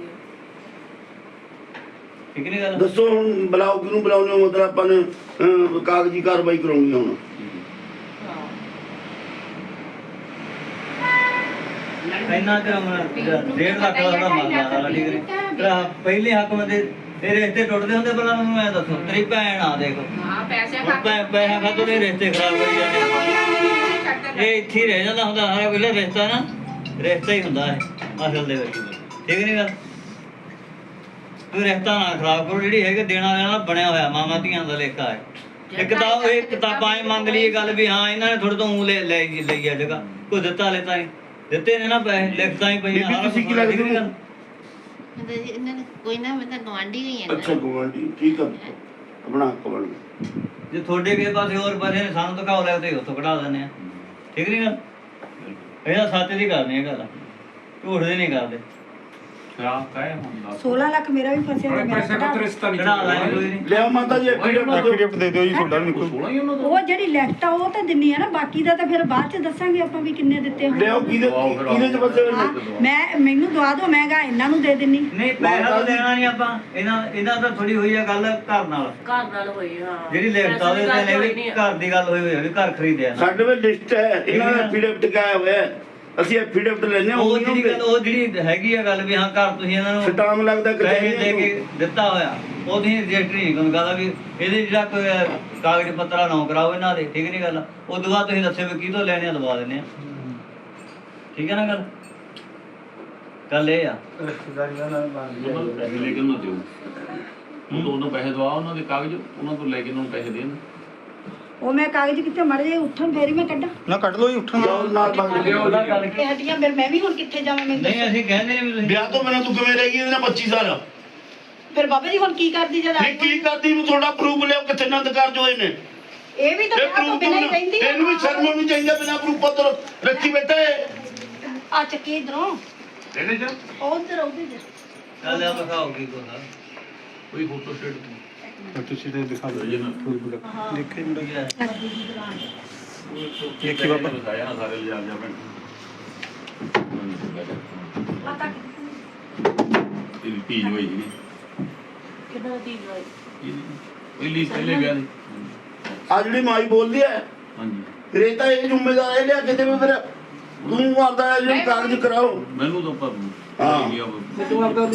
[SPEAKER 2] ਠੀਕ ਨਹੀਂ ਗੱਲ?
[SPEAKER 3] ਦੱਸੋ ਹੁਣ ਬੁਲਾਓ ਕਿਹਨੂੰ ਬੁਲਾਉਂਦੇ ਹੋ? ਮਤਲਬ ਆਪਾਂ ਨੇ ਅਹ, ਕਾਗਜ਼ੀ ਕਾਰਵਾਈ ਕਰਾਉਣੀ ਆ ਹੁਣ।
[SPEAKER 2] ਇੰਨਾ ਤੇਰਾ ਡੇਢ ਲੱਖ ਦਾ ਉਹਦਾ ਮਾਮਲਾ ਸਾਰਾ, ਠੀਕ ਨਹੀਂ? ਤੇਰਾ ਪਹਿਲੇ ਹੱਕ ਬੰਦੇ ਤੇਰੇ ਰਿਸ਼ਤੇ ਟੁੱਟਦੇ ਹੁੰਦੇ, ਪਹਿਲਾਂ ਮੈਨੂੰ ਐ ਦੱਸੋ, ਤੇਰੀ ਭੈਣ ਆ ਦੇਖ,
[SPEAKER 6] ਹਾਂ ਪੈਸੇ
[SPEAKER 2] ਹੁਣ ਭੈਣ ਪੈਸਾ ਖਾਤੋਂ ਦੇ ਰਿਸ਼ਤੇ ਖਰਾਬ ਕਰੀ ਜਾਂਦੇ। ਇਹ ਇੱਥੇ ਹੀ ਰਹਿ ਜਾਂਦਾ ਹੁੰਦਾ ਸਾਰਾ ਪਹਿਲਾ ਰਿਸ਼ਤਾ ਨਾ, ਰਿਸ਼ਤਾ ਹੀ ਹੁੰਦਾ ਹੈ ਅਸਲ ਦੇ ਵਿੱਚ, ਠੀਕ ਨਹੀਂ ਗੱਲ? ਕੋਈ ਰਿਸ਼ਤਾ ਨਾ ਖਰਾਬ ਕਰੋ, ਜਿਹੜੀ ਹੈਗੇ ਦੇਣਾ ਲੈਣਾ ਬਣਿਆ ਹੋਇਆ ਮਾਮਾ ਧੀਆਂ ਦਾ ਲੇਖਾ ਹੈ। ਇੱਕ ਤਾਂ ਇਹ ਕਿਤਾਬਾਂ ਇਹ ਮੰਗ ਲਈ ਇਹ ਗੱਲ ਵੀ ਹਾਂ ਇਹਨਾਂ ਨੇ ਥੋੜੇ ਤੋਂ ਊਂ ਲੈ ਲੈ ਲਈ ਆ ਜਗ੍ਹਾ, ਕੋਈ ਦਿੱਤਾ ਲੈਤਾ ਨਹੀਂ, ਦਿੱਤੇ ਨੇ ਨਾ ਪੈਸੇ, ਲਿਖਤਾਂ ਹੀ ਪਈਆਂ।
[SPEAKER 3] ਬੀਬੀ ਤੁਸੀਂ ਕੀ ਲੱਗਦੇ ਹੋ?
[SPEAKER 8] ਮਤਲਬ ਜੀ ਇਹਨਾਂ ਨੇ ਕੋਈ ਨਾ ਮੈਂ ਤਾਂ ਗਵਾਂਢੀ ਹੋਈ ਹਾਂ
[SPEAKER 3] ਅੱਛਾ ਗਵਾਂਢੀ, ਠੀਕ ਆ, ਆਪਣਾ ਹੱਕ ਬਣ ਗਿਆ।
[SPEAKER 2] ਜੇ ਤੁਹਾਡੇ ਕਿਸੇ ਪਾਸੇ ਹੋਰ ਪਾਸੇ ਨੇ ਸਾਨੂੰ ਦਿਖਾਓ ਲੈ ਤੇ ਉੱਥੋਂ ਕਢਾ ਦਿੰਦੇ ਆ, ਠੀਕ ਨਹੀਂ ਗੱਲ? ਇਹਦਾ ਸੱਚ ਦੀ ਕਰਨੀ ਇਹ ਗੱਲ, ਝੂਠ ਦੀ ਨਹੀਂ ਕਰਦੇ।
[SPEAKER 7] ਸ਼ਰਾਬ ਕਾਇ ਹੁੰਦਾ
[SPEAKER 1] ਸੋਲਾਂ ਲੱਖ ਮੇਰਾ ਵੀ ਫਸਿਆ ਤੇ ਮੇਰਾ
[SPEAKER 7] ਪੈਸੇ
[SPEAKER 1] ਕਢਾ-
[SPEAKER 7] ਦਾ ਰਿਸ਼ਤਾ ਨਹੀਂ
[SPEAKER 2] ਕਢਾ ਲਾਂਗੇ ਕੋਈ ਨਹੀਂ।
[SPEAKER 3] ਲਿਆਓ ਮਾਤਾ ਜੀ ਐਫੀਡੇਵਿਟ ਦਿਓ।
[SPEAKER 4] ਐਫੀਡੇਵਿਟ ਦੇ ਦਿਓ ਜੀ ਤੁਹਾਡਾ ਵੀ ਨਿਕਲ।
[SPEAKER 7] ਸੋਲਾਂ ਹੀ ਉਹਨਾਂ ਦਾ
[SPEAKER 1] ਉਹ ਜਿਹੜੀ ਲਿਖਤ ਆ ਉਹ ਤਾਂ ਦਿੰਨੀ ਆ ਨਾ, ਬਾਕੀ ਦਾ ਤਾਂ ਫਿਰ ਬਾਅਦ ਚ ਦੱਸਾਂਗੇ ਆਪਾਂ ਵੀ ਕਿੰਨੇ ਦਿੱਤੇ ਹੋਣ।
[SPEAKER 3] ਲਿਆਓ ਕਿਹਦੇ ਕਿਹਦੇ ਚ ਫਸੇ ਹੋਏ
[SPEAKER 1] ਹਾਂ,
[SPEAKER 3] ਨੇ?
[SPEAKER 1] ਮੈਂ ਮੈਨੂੰ ਦਵਾ ਦਿਓ, ਮੈਂ ਗਾ ਇਹਨਾਂ ਨੂੰ ਦੇ ਦਿੰਨੀ।
[SPEAKER 2] ਨਹੀਂ ਪੈਸਾ ਤਾਂ ਦੇਣਾ ਨਹੀਂ ਆਪਾਂ, ਇਹਨਾਂ ਇਹਨਾਂ ਤਾਂ ਥੋੜੀ ਹੋਈ ਆ ਗੱਲ ਘਰ ਨਾਲ,
[SPEAKER 5] ਘਰ ਨਾਲ ਹੋਈ, ਹਾਂ।
[SPEAKER 2] ਜਿਹੜੀ ਲਿਖਤ ਆ ਉਹਦੇ ਤੇ ਨੇ ਵੀ ਘਰ ਦੀ ਗੱਲ ਹੋਈ ਹੋਈ ਆ ਵੀ ਘਰ ਖਰੀਦਿਆ ਨਾ।
[SPEAKER 3] ਸਾਡੇ ਵਿੱਚ ਲਿਸਟ ਹੈ, ਇਹਨਾਂ ਦਾ ਐਫੀਡੇਵਿਟ ਕਿਆ ਹੋਇਆ ਹੈ? ਅਸੀਂ ਐਫੀਡੇਵਿਟ ਲੈਣੇ ਆ,
[SPEAKER 2] ਉਹ ਜਿਹੜੀ ਗੱਲ ਉਹ ਜਿਹੜੀ ਹੈਗੀ ਆ ਗੱਲ ਵੀ ਹਾਂ ਘਰ ਤੁਸੀਂ ਇਹਨਾਂ ਨੂੰ
[SPEAKER 3] ਸਟਾਮ ਲੱਗਦਾ
[SPEAKER 2] ਪੈਸੇ ਦੇ
[SPEAKER 3] ਕਚਹਿਰੀ
[SPEAKER 2] ਕੇ ਦਿੱਤਾ ਹੋਇਆ, ਉਹਦੀ ਰਜਿਸਟਰੀ ਨਹੀਂ ਕੋਈ ਗੱਲ ਵੀ ਇਹਦੇ ਜਿਹੜਾ ਕੋਈ ਕਾਗਜ਼ ਪੱਤਰਾ ਨਾ ਕਰਾਓ ਇਹਨਾਂ ਦੇ, ਠੀਕ ਨਹੀਂ ਗੱਲ? ਉਹ ਤੋਂ ਬਾਅਦ ਤੁਸੀਂ ਦੱਸਿਓ ਵੀ ਕਿਹਦੋਂ ਲੈਣੇ ਆ, ਦਵਾ ਦਿੰਦੇ ਆ, ਠੀਕ ਹੈ ਨਾ ਗੱਲ? ਗੱਲ ਇਹ ਆ
[SPEAKER 7] ਉਹਨਾਂ ਨੂੰ ਪੈਸੇ ਲੈ ਕੇ ਉਹਨਾਂ ਦਿਓ, ਉਹ ਤੋਂ ਉਹਨਾਂ ਪੈਸੇ ਦਵਾ, ਉਹਨਾਂ ਦੇ ਕਾਗਜ਼ ਉਹਨਾਂ ਤੋਂ ਲੈ ਕੇ ਉਹਨਾਂ ਨੂੰ ਪੈਸੇ ਦੇਣ।
[SPEAKER 1] ਉਹ ਮੈਂ ਕਾਗਜ਼ ਕਿੱਥੇ ਮੜ ਜੇ ਉੱਠਣ ਫੇਰ ਹੀ ਮੈਂ ਕੱਢਾਂ।
[SPEAKER 4] ਨਾ ਕੱਢ ਲਓ ਜੀ, ਉੱਠਣ
[SPEAKER 3] ਜਾਓ ਨਾਲ ਮੰਗ ਲਿਓ।
[SPEAKER 2] ਉਹਦਾ ਗੱਲ ਕੀ?
[SPEAKER 1] ਇਹ ਹੱਡੀਆਂ ਫਿਰ ਮੈਂ ਵੀ ਹੁਣ ਕਿੱਥੇ ਜਾਵਾਂ? ਮੈਨੂੰ
[SPEAKER 2] ਨਹੀਂ ਅਸੀਂ ਕਹਿੰਦੇ ਨੇ ਵੀ ਤੁਸੀਂ
[SPEAKER 3] ਵਿਆਹ ਤੋਂ ਬਿਨਾਂ ਤੂੰ ਕਿਵੇਂ ਰਹਿ ਗਈ ਇਹਦੇ ਨਾਲ ਪੱਚੀ ਸਾਲ?
[SPEAKER 1] ਫਿਰ ਬਾਬਾ ਜੀ ਹੁਣ ਕੀ ਕਰਦੀ ਜਦ
[SPEAKER 3] ਨਹੀਂ ਕੀ ਕਰਦੀ ਨੂੰ ਤੁਹਾਡਾ ਪ੍ਰੂਫ ਲਿਆਓ ਕਿੱਥੇ ਨੰਦ ਕਾਰਜ ਹੋਏ ਨੇ?
[SPEAKER 1] ਇਹ ਵੀ ਤਾਂ
[SPEAKER 3] ਇਹ
[SPEAKER 1] ਵਿਆਹ ਤੋਂ
[SPEAKER 3] ਪ੍ਰੂਫ
[SPEAKER 1] ਬਿਨਾਂ ਹੀ ਰਹਿੰਦੀ ਆ।
[SPEAKER 3] ਇਹਨੂੰ ਵੀ ਸ਼ਰਮ ਆਉਣੀ ਚਾਹੀਦੀ ਹੈ, ਬਿਨਾਂ ਪ੍ਰੂਫ ਪੱਤਰ ਰੱਖੀ ਬੈਠਾ ਹੈ।
[SPEAKER 1] ਆ ਚੱਕੀ ਇਧਰੋਂ
[SPEAKER 7] ਇਹਦੇ ਚ
[SPEAKER 1] ਉਧਰ ਉਹਦੇ ਚ
[SPEAKER 2] ਚੱਲ ਆ ਦਿਖਾਓ ਕੀ ਕੋਦਾ
[SPEAKER 7] ਕੋਈ ਫੋਟੋ ਸਟੇਟ
[SPEAKER 4] ਤੁਸੀਂ ਤੇ ਦਿਖਾ ਦਿਓ ਜੀ ਨਾ ਦੇਖੇ ਮੁੰਡਾ
[SPEAKER 7] ਦੇਖੀ ਬਾਬਾ ਦਿਖਾਇਆ ਨਾ ਸਾਰੇ ਲਿਜਾ ਜਾ ਮੈਂ ਇਹ ਪੀਜ ਹੋਈ ਜੀ
[SPEAKER 5] ਕਿੰਨਾ ਦੀ ਹੋਈ?
[SPEAKER 7] ਪਹਿਲੀ ਪਹਿਲੇ ਵਿਆਹ ਦੀ
[SPEAKER 3] ਆ ਜਿਹੜੀ ਮਾਈ ਬੋਲਦੀ ਹੈ,
[SPEAKER 7] ਹਾਂਜੀ
[SPEAKER 3] ਫਿਰ ਇਹ ਤਾਂ ਇਹ ਜ਼ਿੰਮੇਦਾਰ ਇਹ ਲਿਆ ਕੇ ਦੇਵੇ, ਫਿਰ ਤੂੰ ਆਪਦਾ ਜਿਹੜੇ ਕਾਗਜ਼ ਕਰਾਓ।
[SPEAKER 7] ਮੈਨੂੰ ਤਾਂ ਪਰ
[SPEAKER 3] ਹਾਂ।
[SPEAKER 7] ਹਾਂ
[SPEAKER 1] ਬਹਿ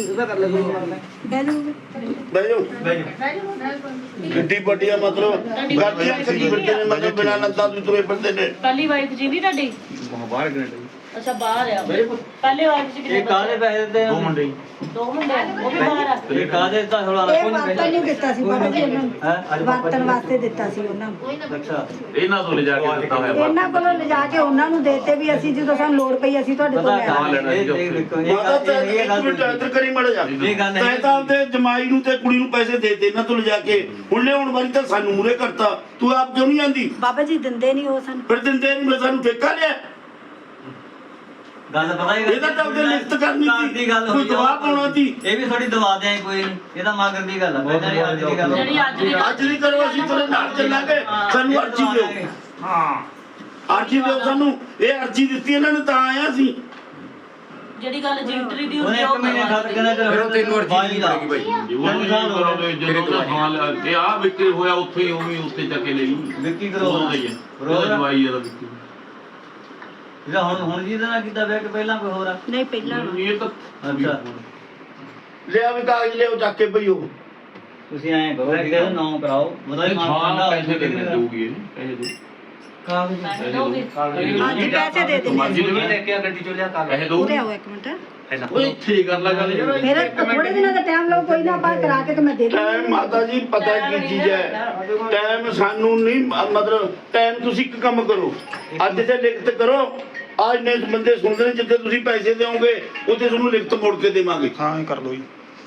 [SPEAKER 1] ਜਾਓ
[SPEAKER 3] ਬਹਿ ਜਾਓ। ਗੱਡੀ ਵੱਡੀ ਆ, ਮਤਲਬ ਗੱਡੀਆਂ ਕਰੀ ਫਿਰਦੇ ਨੇ, ਮਤਲਬ ਬਿਨਾਂ ਨੰਦਾ ਤੋਂ ਤੁਰੇ ਫਿਰਦੇ ਨੇ।
[SPEAKER 5] ਪਹਿਲੀ ਵਾਈਫ ਜੀ ਵੀ ਤੁਹਾਡੀ?
[SPEAKER 2] ਬਾਹਰ ਗਏ
[SPEAKER 5] ਅੱਛਾ ਬਾਹਰ ਆ। ਪਹਿਲੇ ਵਾਈਫ ਜੀ ਕਿੰਨੇ
[SPEAKER 2] ਇਹ ਕਾਹਦੇ ਪੈਸੇ ਦਿੱਤੇ ਆ?
[SPEAKER 7] ਦੋ ਮੁੰਡੇ
[SPEAKER 5] ਦੋ ਮੁੰਡੇ ਆ, ਉਹ ਵੀ ਬਾਹਰ ਆ।
[SPEAKER 2] ਇਹ ਕਾਹਦੇ ਦਿੱਤਾ ਥੋੜਾ
[SPEAKER 1] ਇਹ ਵਾਰਤਨ ਨਹੀਂ ਦਿੱਤਾ ਸੀ ਬਾਬਾ ਜੀ ਉਹਨਾਂ
[SPEAKER 2] ਹੈ ਅੱਜ
[SPEAKER 1] ਨੂੰ, ਵਾਰਤਨ ਵਾਸਤੇ ਦਿੱਤਾ ਸੀ ਉਹਨਾਂ ਨੂੰ।
[SPEAKER 2] ਅੱਛਾ
[SPEAKER 7] ਇਹਨਾਂ ਤੋਂ ਲਿਜਾ ਕੇ ਦਿੱਤਾ ਹੋਇਆ ਬਾਪ।
[SPEAKER 1] ਇਹਨਾਂ ਕੋਲੋਂ ਲਿਜਾ ਕੇ ਉਹਨਾਂ ਨੂੰ ਦੇਤੇ ਵੀ ਅਸੀਂ ਜਦੋਂ ਸਾਨੂੰ ਲੋੜ ਪਈ ਅਸੀਂ ਤੁਹਾਡੇ ਤੋਂ
[SPEAKER 2] ਪਤਾ
[SPEAKER 1] ਲੈ
[SPEAKER 2] ਕਾ
[SPEAKER 1] ਆਵਾਂਗੇ।
[SPEAKER 7] ਲੈਣਾ ਜੀ ਉੱਥੇ।
[SPEAKER 2] ਦੇਖੋ ਇਹ
[SPEAKER 3] ਮਾਤਾ ਤੇ
[SPEAKER 2] ਗੱਲ ਇਹ
[SPEAKER 3] ਇੱਕ
[SPEAKER 2] ਗੱਲ
[SPEAKER 3] ਮਿੰਟ ਇੱਧਰ ਕਰੀ ਮੜ ਜਾ।
[SPEAKER 2] ਇਹ ਗੱਲ ਹੈ।
[SPEAKER 3] ਤੈਂ ਤਾਂ ਆਪਦੇ ਜਮਾਈ ਨੂੰ ਤੇ ਕੁੜੀ ਨੂੰ ਪੈਸੇ ਦੇ ਦੇ ਇਹਨਾਂ ਤੋਂ ਲਿਜਾ ਕੇ, ਹੁਣ ਲਿਆਉਣ ਵਾਲੀ ਤਾਂ ਸਾਨੂੰ ਮੂਰੇ ਕਰਤਾ, ਤੂੰ ਆਪ ਕਿਉਂ ਨਹੀਂ ਆਂਦੀ?
[SPEAKER 1] ਬਾਬਾ ਜੀ ਦਿੰਦੇ ਨਹੀਂ ਉਹ ਸਾਨੂੰ।
[SPEAKER 3] ਫਿਰ ਦਿੰਦੇ ਨਹੀਂ, ਮੈਂ ਸਾਨੂੰ ਠੇਕਾ ਲਿਆ।
[SPEAKER 2] ਗੱਲ ਪਤਾ ਹੀ
[SPEAKER 3] ਇਹਦਾ ਤਾਂ ਉਹਦੇ ਲਿਖਤ ਕਰਨੀ ਸੀ,
[SPEAKER 2] ਦੀ ਗੱਲ
[SPEAKER 3] ਕੋਈ
[SPEAKER 2] ਹੋਈ ਆ।
[SPEAKER 3] ਗਵਾਹ ਪਾਉਣਾ ਸੀ।
[SPEAKER 2] ਇਹ ਵੀ ਥੋੜੀ ਦਵਾ ਦਿਆਂ ਕੋਈ ਨਹੀਂ, ਇਹਦਾ ਮਗਰ ਦੀ ਗੱਲ ਆ, ਪਹਿਲਾਂ ਦੀ ਅੱਜ ਦੀ ਗੱਲ
[SPEAKER 5] ਜਿਹੜੀ ਅੱਜ ਦੀ
[SPEAKER 3] ਅੱਜ ਨਹੀਂ ਕਰੋ, ਅਸੀਂ ਤੇਰੇ ਨਾਲ ਚੱਲਾਂਗੇ, ਸਾਨੂੰ ਅਰਜੀ ਦਿਓ।
[SPEAKER 7] ਹਾਂ
[SPEAKER 3] ਅਰਜੀ ਦਿਓ ਸਾਨੂੰ, ਇਹ ਅਰਜੀ ਦਿੱਤੀ ਇਹਨਾਂ ਨੇ ਤਾਂ ਆਇਆ ਸੀ।
[SPEAKER 5] ਜਿਹੜੀ ਗੱਲ ਜਿੰਟਰੀ ਦੀ
[SPEAKER 2] ਉਹਨੇ
[SPEAKER 5] ਹੁੰਦੀ
[SPEAKER 2] ਇੱਕ
[SPEAKER 5] ਉਹ
[SPEAKER 2] ਮਹੀਨੇ
[SPEAKER 5] ਕਰਵਾ
[SPEAKER 2] ਖਾਤਰ ਕਹਿੰਦਾ
[SPEAKER 9] ਫਿਰ ਉਹ ਤੈਨੂੰ ਅਰਜੀ ਨਹੀਂ ਪੜੇਗੀ ਬਾਈ
[SPEAKER 7] ਜੇ ਉਹ ਨਹੀਂ ਕਰੋਗੇ ਜਦੋਂ ਉਹਦਾ ਥਾਂ ਲਿਆ ਤੇ ਆ ਵਿਕਰੀ ਹੋਇਆ ਉੱਥੇ ਹੀ ਉਵੇਂ ਹੀ ਉੱਥੇ ਜਾ ਕੇ ਲੈ ਲਈ
[SPEAKER 2] ਵਿੱਕੀ ਕਰੋ
[SPEAKER 7] ਉਹਦਾ ਹੀ ਹੈ ਉਹਦਾ ਜਵਾਈ ਇਹਦਾ ਵਿਕਰੀ
[SPEAKER 2] ਜਿਹੜਾ ਹੁਣ ਹੁਣ ਜਿਹਦੇ ਨਾਲ ਕੀਤਾ ਵਿਆਹ ਕਿ ਪਹਿਲਾਂ ਕੋਈ ਹੋਰ ਆ
[SPEAKER 1] ਨਹੀਂ ਪਹਿਲਾਂ
[SPEAKER 7] ਇਹ ਤਾਂ
[SPEAKER 2] ਅੱਛਾ
[SPEAKER 3] ਲਿਆ ਵੀ ਕਾਗਜ਼ ਲਿਆਓ ਚੱਕ ਕੇ ਭਈਓ
[SPEAKER 2] ਤੁਸੀਂ ਐਂ ਕਰੋ ਕਿ ਇਹਦਾ ਨਾਮ ਕਰਾਓ ਉਹਦਾ ਹੀ ਨਾਮ
[SPEAKER 7] ਹਾਂ
[SPEAKER 2] ਠੰਡਾ
[SPEAKER 7] ਪੈਸੇ ਦੇ ਦੇਊਗੀ ਇਹ ਪੈਸੇ ਦੇ
[SPEAKER 2] ਕਾਗਜ਼
[SPEAKER 1] ਅੱਜ ਪੈਸੇ ਦੇ ਦੇ
[SPEAKER 7] ਮਰਜ਼ੀ ਦੇ
[SPEAKER 2] ਲੈ ਕੇ ਆ ਗੱਡੀ ਚੋਂ ਲਿਆ ਕਾਗਜ਼
[SPEAKER 7] ਪੈਸੇ ਦੋ
[SPEAKER 1] ਉਰੇ ਆਓ ਇੱਕ ਮਿੰਟ
[SPEAKER 7] ਉਹ ਇੱਥੇ ਕਰ ਲਾ ਗੱਲ ਯਾਰ
[SPEAKER 1] ਮੇਰਾ ਥੋੜੇ ਦਿਨਾਂ ਦਾ ਟਾਈਮ ਲਓ ਕੋਈ ਨਾ ਆਪਾਂ ਕਰਾ ਕੇ ਤੇ ਮੈਂ ਦੇ ਦੂੰਗੀ
[SPEAKER 3] ਟਾਈਮ ਮਾਤਾ ਜੀ ਪਤਾ ਕੀ ਚੀਜ਼ ਹੈ ਟਾਈਮ ਸਾਨੂੰ ਨਹੀਂ ਮ- ਮਤਲਬ ਟਾਈਮ ਤੁਸੀਂ ਇੱਕ ਕੰਮ ਕਰੋ ਅੱਜ ਤੇ ਲਿਖਤ ਕਰੋ ਅੱਜ ਇੰਨੇ ਬੰਦੇ ਸੁਣਦੇ ਨੇ ਜਿੱਥੇ ਤੁਸੀਂ ਪੈਸੇ ਦਿਓਗੇ ਉੱਥੇ ਤੁਹਾਨੂੰ ਲਿਖਤ ਮੋੜ ਕੇ ਦੇਵਾਂਗੇ
[SPEAKER 4] ਹਾਂ ਇਹ ਕਰ ਲਓ ਜੀ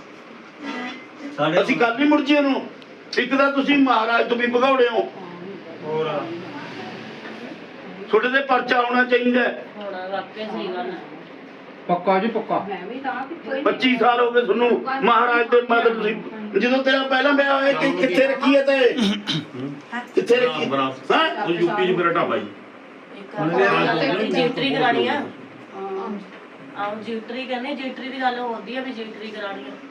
[SPEAKER 2] ਸਾਡੇ
[SPEAKER 3] ਅਸੀਂ ਕੱਲ ਨਹੀਂ ਮੁੜ ਜੀ ਇਹਨੂੰ ਇੱਕ ਤਾਂ ਤੁਸੀਂ ਮਹਾਰਾਜ ਤੋਂ ਵੀ ਭਗੌੜੇ ਹੋ
[SPEAKER 4] ਹੋਰ
[SPEAKER 3] ਤੁਹਾਡੇ ਤੇ ਪਰਚਾ ਆਉਣਾ ਚਾਹੀਦਾ ਹੈ।
[SPEAKER 5] ਹੁਣ ਵਾਕਿਆ ਸਹੀ ਗੱਲ ਹੈ
[SPEAKER 9] ਪੱਕਾ ਜੀ ਪੱਕਾ
[SPEAKER 3] ਪੱਚੀ ਸਾਲ ਹੋ ਗਏ ਤੁਹਾਨੂੰ ਮਹਾਰਾਜ ਦੇ ਮਤਲਬ ਤੁਸੀਂ ਜਦੋਂ ਤੇਰਾ ਪਹਿਲਾ ਵਿਆਹ ਹੋਇਆ ਕਿ ਕਿੱਥੇ ਰੱਖੀ ਹੈ ਤੇ ਕਿੱਥੇ ਰੱਖੀ ਹਾਂ
[SPEAKER 7] ਉਹ ਯੂਪੀ ਚ ਮੇਰਾ ਢਾਬਾ ਜੀ
[SPEAKER 5] ਜਿੰਟਰੀ ਕਰਾਣੀ ਆ ਆਹ ਜਿੰਟਰੀ ਕਹਿੰਦੇ ਜਿੰਟਰੀ ਦੀ ਗੱਲ ਹੁੰਦੀ ਆ ਵੀ ਜਿੰਟਰੀ ਕਰਾਣੀ ਆ